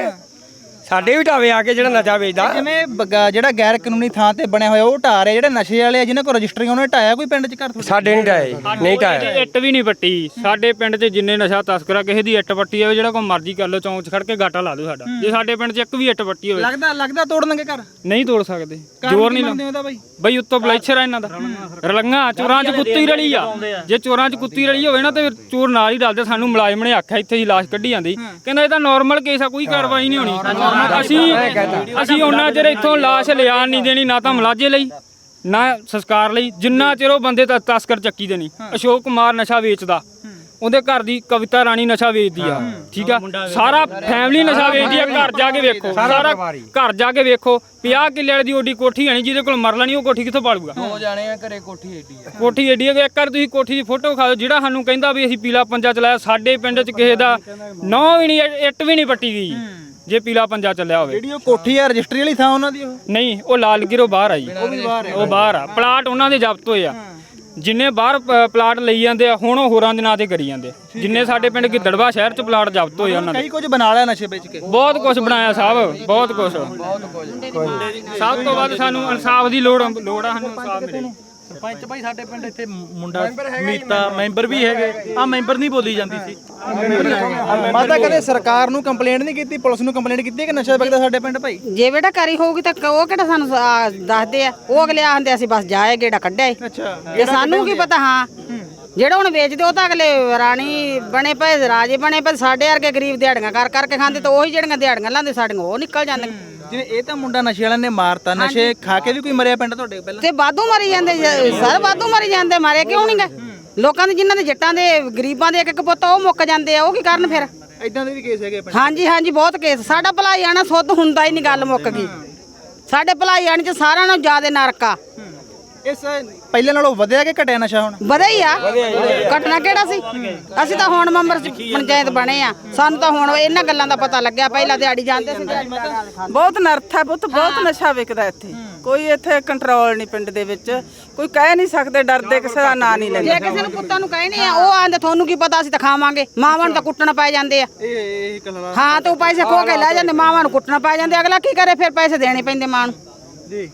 ਸਾਡੇ ਵੀ ਢਾਵੇ ਆ ਕੇ ਜਿਹੜਾ ਨਸ਼ਾ ਵੇਚਦਾ। ਜਿਵੇਂ ਬਗਾ- ਜਿਹੜਾ ਗੈਰ ਕਾਨੂੰਨੀ ਥਾਂ ਤੇ ਬਣਿਆ ਹੋਇਆ ਉਹ ਢਾ ਰਹੇ, ਜਿਹੜੇ ਨਸ਼ੇ ਵਾਲੇ ਆ ਜਿਨ੍ਹਾਂ ਕੋਲ ਰਜਿਸਟਰੀਆਂ ਉਹਨਾਂ ਨੇ ਢਾਇਆ ਕੋਈ ਪਿੰਡ 'ਚ ਘਰ? ਸਾਡੇ ਨਹੀਂ ਢਾਏ, ਨਹੀਂ ਢਾਇਆ। ਇੱਟ ਵੀ ਨਹੀਂ ਪੱਟੀ ਸਾਡੇ ਪਿੰਡ 'ਚ। ਜਿੰਨੇ ਨਸ਼ਾ ਤਸਕਰਾ ਕਿਸੇ ਦੀ ਇੱਟ ਪੱਟੀ ਜਾਵੇ, ਜਿਹੜਾ ਕੋਈ ਮਰਜ਼ੀ ਕਰ ਲਓ, ਚੌਂਕ 'ਚ ਖੜ ਕੇ ਗਾਟਾ ਲਾ ਦਿਓ ਸਾਡਾ। ਜੇ ਸਾਡੇ ਪਿੰਡ 'ਚ ਇੱਕ ਵੀ ਇੱਟ ਪੱਟੀ ਹੋਵੇ, ਲੱਗਦਾ ਲੱਗਦਾ ਤੋੜਨਗੇ ਘਰ? ਨਹੀਂ ਤੋੜ ਸਕਦੇ, ਜ਼ੋਰ ਨਹੀਂ ਲਾਉਂਦੇ ਉਹਦਾ ਬਾਈ। ਬਈ ਉੱਤੋਂ ਬਲੈਚਰ ਆ ਇਹਨਾਂ ਦਾ, ਰਲੰਗਾ ਚੋਰਾਂ 'ਚ ਕੁੱਤੀ ਰਲੀ ਆ। ਜੇ ਚੋਰਾਂ 'ਚ ਕੁੱਤੀ ਰਲੀ ਹੋਵੇ ਨਾ ਤੇ ਚੋਰ ਨਾਲ ਹੀ ਰਲਦੇ। ਸਾਨੂੰ ਮੁਲਾਜ਼ਮ ਨੇ ਆਖਿਆ ਇੱਥੇ ਹੀ ਲਾਸ਼ ਕੱਢੀ ਜਾਂਦੀ, ਕਹਿੰਦਾ ਇਹ ਤਾਂ ਨਾਰਮਲ ਕੇਸ ਆ, ਕੋਈ ਕਾਰਵਾਈ ਨਹੀਂ ਹੋਣੀ। ਅਸੀਂ ਅਸੀਂ ਉਹਨਾਂ ਚਿਰ ਇੱਥੋਂ ਲਾਸ਼ ਲਿਆਣ ਨਹੀਂ ਦੇਣੀ, ਨਾ ਤਾਂ ਮੁਲਾਜ਼ੇ ਲਈ ਨਾ ਸੰਸਕਾਰ ਲਈ, ਜਿੰਨਾ ਚਿਰ ਉਹ ਬੰਦੇ ਤਸਕਰ ਚੱਕੀ ਦੇ ਨਹੀਂ। ਅਸ਼ੋਕ ਕੁਮਾਰ ਨਸ਼ਾ ਵੇਚਦਾ, ਉਹਦੇ ਘਰ ਦੀ ਕਵਿਤਾ ਰਾਣੀ ਨਸ਼ਾ ਵੇਚਦੀ ਆ, ਠੀਕ ਆ। ਸਾਰਾ ਫੈਮਿਲੀ ਨਸ਼ਾ ਵੇਚਦੀ ਆ। ਘਰ ਜਾ ਕੇ ਵੇਖੋ, ਸਾਰਾ ਘਰ ਜਾ ਕੇ ਵੇਖੋ, ਪੰਜਾਹ ਕਿੱਲੇ ਵਾਲੀ ਦੀ ਓਡੀ ਕੋਠੀ ਆਣੀ, ਜਿਹਦੇ ਕੋਲ ਮਰਲਾ ਨਹੀਂ ਉਹ ਕੋਠੀ ਕਿੱਥੋਂ ਪਾਲੂਗਾ? ਹੋ ਜਾਣੇ ਆ ਘਰੇ, ਕੋਠੀ ਏਡੀ ਆ, ਕੋਠੀ ਏਡੀ ਹੈ। ਇੱਕ ਵਾਰ ਤੁਸੀਂ ਕੋਠੀ ਦੀ ਫੋਟੋ ਖਾ ਦਿਓ। ਜਿਹੜਾ ਸਾਨੂੰ ਕਹਿੰਦਾ ਵੀ ਅਸੀਂ ਪੀਲਾ ਪੰਜਾ ਚਲਾਇਆ, ਸਾਡੇ ਪਿੰਡ 'ਚ ਕਿਸੇ ਦਾ ਨੌ ਵੀ ਨਹੀਂ, ਇੱਟ ਵੀ ਨਹੀਂ ਪੱਟੀ ਗਈ ਜੇ ਪੀਲਾ ਪੰਜਾ ਚੱਲਿਆ ਹੋਵੇ। ਜਿਹੜੀ ਉਹ ਕੋਠੀ ਆ ਰਜਿਸਟਰੀ ਵਾਲੀ ਥਾਂ ਉਹਨਾਂ ਦੀ? ਉਹ ਨਹੀਂ, ਉਹ ਲਾਲਗੀਰੋਂ ਬਾਹਰ ਆ ਜੀ, ਉਹ ਬਾਹਰ ਆ। ਪਲਾਟ ਉਹਨਾਂ ਦੇ ਜ਼ਬਤ ਹੋਏ ਆ। ਜਿੰਨੇ ਬਾਹਰ ਪ- ਪਲਾਟ ਲਈ ਜਾਂਦੇ ਆ, ਹੁਣ ਉਹ ਹੋਰਾਂ ਦੇ ਨਾਂ ਤੇ ਕਰੀ ਜਾਂਦੇ। ਜਿੰਨੇ ਸਾਡੇ ਪਿੰਡ ਗਿੱਦੜਵਾ ਸ਼ਹਿਰ 'ਚ ਪਲਾਟ ਜ਼ਬਤ ਹੋਏ ਉਹਨਾਂ ਦੇ, ਕਈ ਕੁਝ ਬਣਾ ਲਿਆ ਨਸ਼ੇ ਵੇਚ ਕੇ। ਬਹੁਤ ਕੁਝ ਬਣਾਇਆ ਸਾਹਿਬ, ਬਹੁਤ ਕੁਝ। ਸਭ ਤੋਂ ਵੱਧ ਸਾਨੂੰ ਇਨਸਾਫ ਦੀ ਲੋੜ ਲੋੜ ਆ, ਸਾਨੂੰ ਇਨਸਾਫ ਮਿਲੇ। ਸਰਪੰਚ ਭਾਈ ਸਾਡੇ ਪਿੰਡ ਇੱਥੇ ਮੁੰਡਾ ਮੀਤਾ ਮੈਂਬਰ ਵੀ ਹੈਗੇ ਆ, ਮੈਂਬਰ ਨਹੀਂ ਬੋਲੀ ਜਾਂਦੀ ਸੀ। ਮਾਤਾ ਕਦੇ ਸਰਕਾਰ ਨੂੰ ਕੰਪਲੇਂਟ ਨਹੀਂ ਕੀਤੀ, ਪੁਲਿਸ ਨੂੰ ਕੰਪਲੇਂਟ ਕੀਤੀ ਕਿ ਨਸ਼ਾ ਵਿਕਦਾ ਸਾਡੇ ਪਿੰਡ ਭਾਈ? ਜੇ ਬੇਟਾ ਕਰੀ ਹੋਊਗੀ ਤਾਂ ਉਹ ਕਿਹੜਾ ਸਾਨੂੰ ਆ, ਦੱਸਦੇ ਆ। ਉਹ ਅਗਲੇ ਆਂਦੇ ਅਸੀਂ ਬਸ ਜਾਏ ਗੇੜਾ ਕੱਢਿਆ ਏ। ਅੱਛਾ, ਜੇ ਸਾਨੂੰ ਕੀ ਪਤਾ। ਹਾਂ, ਜਿਹੜਾ ਹੁਣ ਵੇਚਦੇ ਉਹ ਤਾਂ ਅਗਲੇ ਰਾਣੀ ਬਣੇ ਪਏ, ਰਾਜੇ ਬਣੇ ਪਏ। ਸਾਡੇ ਵਰਗੇ ਗਰੀਬ ਦਿਹਾੜੀਆਂ ਕਰ ਕਰਕੇ ਖਾਂਦੇ, ਤਾਂ ਉਹੀ ਜਿਹੜੀਆਂ ਦਿਹਾੜੀਆਂ ਲਾਂਦੇ ਸਾਡੀਆਂ ਉਹ ਨਿਕਲ ਜਾਂਦੀਆਂ। ਜਿਵੇਂ ਇਹ ਤਾਂ ਮੁੰਡਾ ਨਸ਼ੇ ਵਾਲਿਆਂ ਨੇ ਮਾਰਤਾ, ਨਸ਼ੇ ਖਾ ਕੇ ਵੀ ਕੋਈ ਮਰਿਆ ਪਿੰਡ ਤੁਹਾਡੇ ਪਹਿਲਾਂ? ਤੇ ਵਾਧੂ ਮਰੀ ਜਾਂਦੇ ਸਰ, ਵਾਧੂ ਮਰੀ ਜਾਂਦੇ। ਮਾਰੇ ਕਿਉਂ ਨਹੀਂ ਗਏ? ਲੋਕਾਂ ਦੇ ਜਿਨ੍ਹਾਂ ਦੇ ਜੱਟਾਂ ਦੇ ਗਰੀਬਾਂ ਦੇ ਇੱਕ ਇੱਕ ਪੁੱਤ ਉਹ ਮੁੱਕ ਜਾਂਦੇ ਆ, ਉਹ ਕੀ ਕਰਨ ਫਿਰ? ਇਦਾਂ ਦੇ ਵੀ ਕੇਸ ਹੈਗੇ ਪਿੰਡ? ਹਾਂਜੀ ਹਾਂਜੀ, ਬਹੁਤ ਕੇਸ। ਸਾਡਾ ਭਲਾਈ ਆਣਾ ਸੁੱਧ ਹੁੰਦਾ ਹੀ ਨਹੀਂ, ਗੱਲ ਮੁੱਕ ਗਈ। ਸਾਡੇ ਭਲਾਈ ਆਣ 'ਚ ਸਾਰਿਆਂ ਨਾਲੋਂ ਜ਼ਿਆਦਾ ਨਰਕ ਆ। ਇਸ ਪਹਿਲੇ ਨਾਲੋਂ ਵਧਿਆ ਕਿ ਘਟਿਆ ਨਸ਼ਾ ਹੁਣ? ਵਧਿਆ ਹੀ ਆ, ਘਟਨਾ ਕਿਹੜਾ ਸੀ? ਅਸੀਂ ਤਾਂ ਹੁਣ ਮੈਂਬਰ ਪੰਚਾਇਤ ਬਣੇ ਆ, ਸਾਨੂੰ ਤਾਂ ਹੁਣ ਇਹਨਾਂ ਗੱਲਾਂ ਦਾ ਪਤਾ ਲੱਗਿਆ। ਪਹਿਲਾਂ ਦਿਹਾੜੀ ਜਾਂਦੇ ਸੀ। ਬਹੁਤ ਨਰਥ ਹੈ ਪੁੱਤ, ਬਹੁਤ ਨਸ਼ਾ ਵਿਕਦਾ ਇੱਥੇ। ਕੋਈ ਇੱਥੇ ਕੰਟਰੋਲ ਨਹੀਂ ਪਿੰਡ ਦੇ ਵਿੱਚ, ਕੋਈ ਕਹਿ ਨਹੀਂ ਸਕਦੇ, ਡਰਦੇ ਕਿਸੇ ਦਾ ਨਾਂ ਨਹੀਂ ਲੈਂਦੇ। ਜੇ ਕਿਸੇ ਨੂੰ ਪੁੱਤਾਂ ਨੂੰ ਕਹਿਣੇ ਆ, ਉਹ ਆਂਦੇ ਤੁਹਾਨੂੰ ਕੀ ਪਤਾ, ਅਸੀਂ ਤਾਂ ਖਾਵਾਂਗੇ। ਮਾਵਾਂ ਨੂੰ ਤਾਂ ਕੁੱਟਣ ਪੈ ਜਾਂਦੇ ਆ। ਇਹ ਇਹ ਕਲਵਾ ਹਾਂ, ਤੇ ਉਹ ਪੈਸੇ ਖੋ ਕੇ ਲੈ ਜਾਂਦੇ, ਮਾਵਾਂ ਨੂੰ ਕੁੱਟਣ ਪੈ ਜਾਂਦੇ। ਅਗਲਾ ਕੀ ਕਰੇ ਫਿਰ? ਪੈਸੇ ਦੇਣੇ ਪੈਂਦੇ ਮਾਂ ਨੂੰ ਜੀ।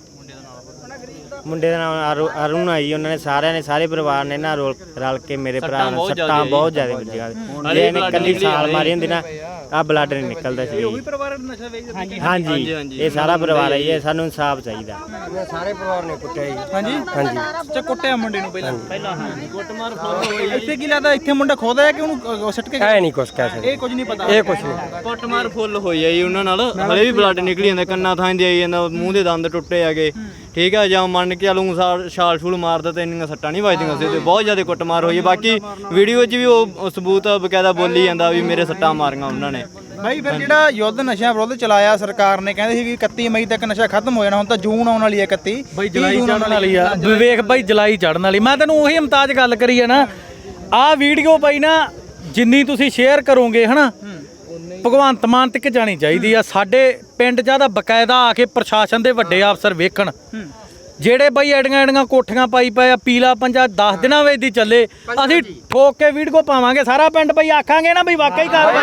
ਮੁੰਡੇ ਦਾ ਨਾਮ ਅਰੂ- ਅਰੁਣ ਆ ਜੀ। ਉਹਨਾਂ ਨੇ ਸਾਰਿਆਂ ਨੇ, ਸਾਰੇ ਪਰਿਵਾਰ ਨੇ ਨਾ ਰੋਲ ਰਲ ਕੇ ਮੇਰੇ ਭਰਾ ਨੂੰ ਸੱਟਾਂ ਬਹੁਤ ਜ਼ਿਆਦਾ ਵੱਜੀਆਂ। ਜੇ ਇਹਨੇ ਇਕੱਲੀ ਛਾਲ ਮਾਰੀ ਹੁੰਦੀ ਨਾ, ਆ ਬਲੱਡ ਨਹੀਂ ਨਿਕਲਦਾ ਸੀ। ਉਹੀ ਪਰਿਵਾਰ ਨਸ਼ਾ ਵੇਚਦਾ? ਹਾਂਜੀ, ਇਹ ਸਾਰਾ ਪਰਿਵਾਰ ਹੈ ਜੀ। ਇਹ ਸਾਨੂੰ ਇਨਸਾਫ ਚਾਹੀਦਾ। ਸਾਰੇ ਪਰਿਵਾਰ ਨੇ ਕੁੱਟਿਆ ਜੀ। ਹਾਂਜੀ ਹਾਂਜੀ, ਅੱਛਾ, ਕੁੱਟਿਆ ਮੁੰਡੇ ਨੂੰ ਪਹਿਲਾਂ? ਪਹਿਲਾਂ ਹਾਂ, ਕੁੱਟਮਾਰ ਹੋਈ। ਇੱਥੇ ਕੀ ਲੱਗਦਾ, ਇੱਥੇ ਮੁੰਡਾ ਖੋਦਾ ਹੈ ਕਿ ਉਹਨੂੰ ਸੱਟ ਕੇ? ਐ ਨਹੀਂ ਕੁਛ ਕਹਿ ਸਕਦੇ, ਇਹ ਕੁਝ ਨਹੀਂ ਪਤਾ। ਇਹ ਕੁਛ ਨਹੀਂ। ਕੁੱਟਮਾਰ ਫੁੱਲ ਹੋਈ ਆ ਜੀ ਉਹਨਾਂ ਨਾਲ, ਹਲੇ ਵੀ ਬਲੱਡ ਨਿਕਲੀ ਜਾਂਦਾ, ਕੰਨਾਂ ਥਾਂ ਦੀ ਆਈ ਜਾਂਦਾ, ਮੂੰਹ ਦੇ ਦੰਦ ਟੁੱਟੇ ਹੈਗੇ, ਠੀਕ ਆ। ਜਾਂ ਮੰਨ ਕੇ ਚੱਲੂ ਛਾਲ ਛੂਲ ਮਾਰਦਾ ਤੇ ਇੰਨੀਆਂ ਸੱਟਾਂ ਨਹੀਂ ਵੱਜਦੀਆਂ ਸੀ, ਤੇ ਬਹੁਤ ਜ਼ਿਆਦਾ ਕੁੱਟਮਾਰ ਹੋਈ ਹੈ। ਬਾਕੀ ਵੀਡੀਓ 'ਚ ਵੀ ਉਹ ਸਬੂਤ ਬਕਾਇਦਾ ਬੋਲੀ ਜਾਂਦਾ ਵੀ ਮੇਰੇ ਸੱਟਾਂ ਮਾਰੀਆਂ ਉਹਨਾਂ ਨੇ। ਭਾਈ ਫਿਰ ਜਿਹੜਾ ਯੁੱਧ ਨਸ਼ਿਆਂ ਵਿਰੁੱਧ ਚਲਾਇਆ ਸਰਕਾਰ ਨੇ, ਕਹਿੰਦੇ ਸੀ ਕਿ ਇਕੱਤੀ ਮਈ ਤੱਕ ਨਸ਼ਾ ਖਤਮ ਹੋ ਜਾਣਾ, ਹੁਣ ਤਾਂ ਜੂਨ ਆਉਣ ਵਾਲੀ ਹੈ। ਇਕੱਤੀ ਬਈ ਜੁਲਾਈ ਚੜਨ ਵਾਲੀ ਆ, ਵਿਵੇਕ ਬਾਈ, ਜੁਲਾਈ ਚੜਨ ਵਾਲੀ। ਮੈਂ ਤੈਨੂੰ ਉਹੀ ਇਮਤਾਜ ਗੱਲ ਕਰੀ ਆ ਨਾ, ਆਹ ਵੀਡੀਓ ਬਾਈ ਨਾ ਜਿੰਨੀ ਤੁਸੀਂ ਸ਼ੇਅਰ ਕਰੋਗੇ ਹਨਾ, ਭਗਵੰਤ ਮਾਨ ਤੱਕ ਜਾਣੀ ਚਾਹੀਦੀ ਆ। ਸਾਡੇ ਪਿੰਡ ਜਿਆਦਾ ਬਕਾਇਦਾ ਆ ਕੇ ਪ੍ਰਸ਼ਾਸਨ ਦੇ ਵੱਡੇ ਅਫਸਰ ਵੇਖਣ, ਜਿਹੜੇ ਬਈ ਐਡੀਆਂ ਐਡੀਆਂ ਕੋਠੀਆਂ ਪਾਈ ਪਏ ਆ, ਪੀਲਾ ਪੰਜਾ ਦਸ ਦਿਨਾਂ ਵਿੱਚ ਦੀ ਚੱਲੇ, ਅਸੀਂ ਠੋਕ ਕੇ ਵੀਡੀਓ ਪਾਵਾਂਗੇ। ਸਾਰਾ ਪਿੰਡ ਬਈ ਆਖਾਂਗੇ ਨਾ ਬਈ ਵਾਕਈ ਕਾਰਵਾਈ,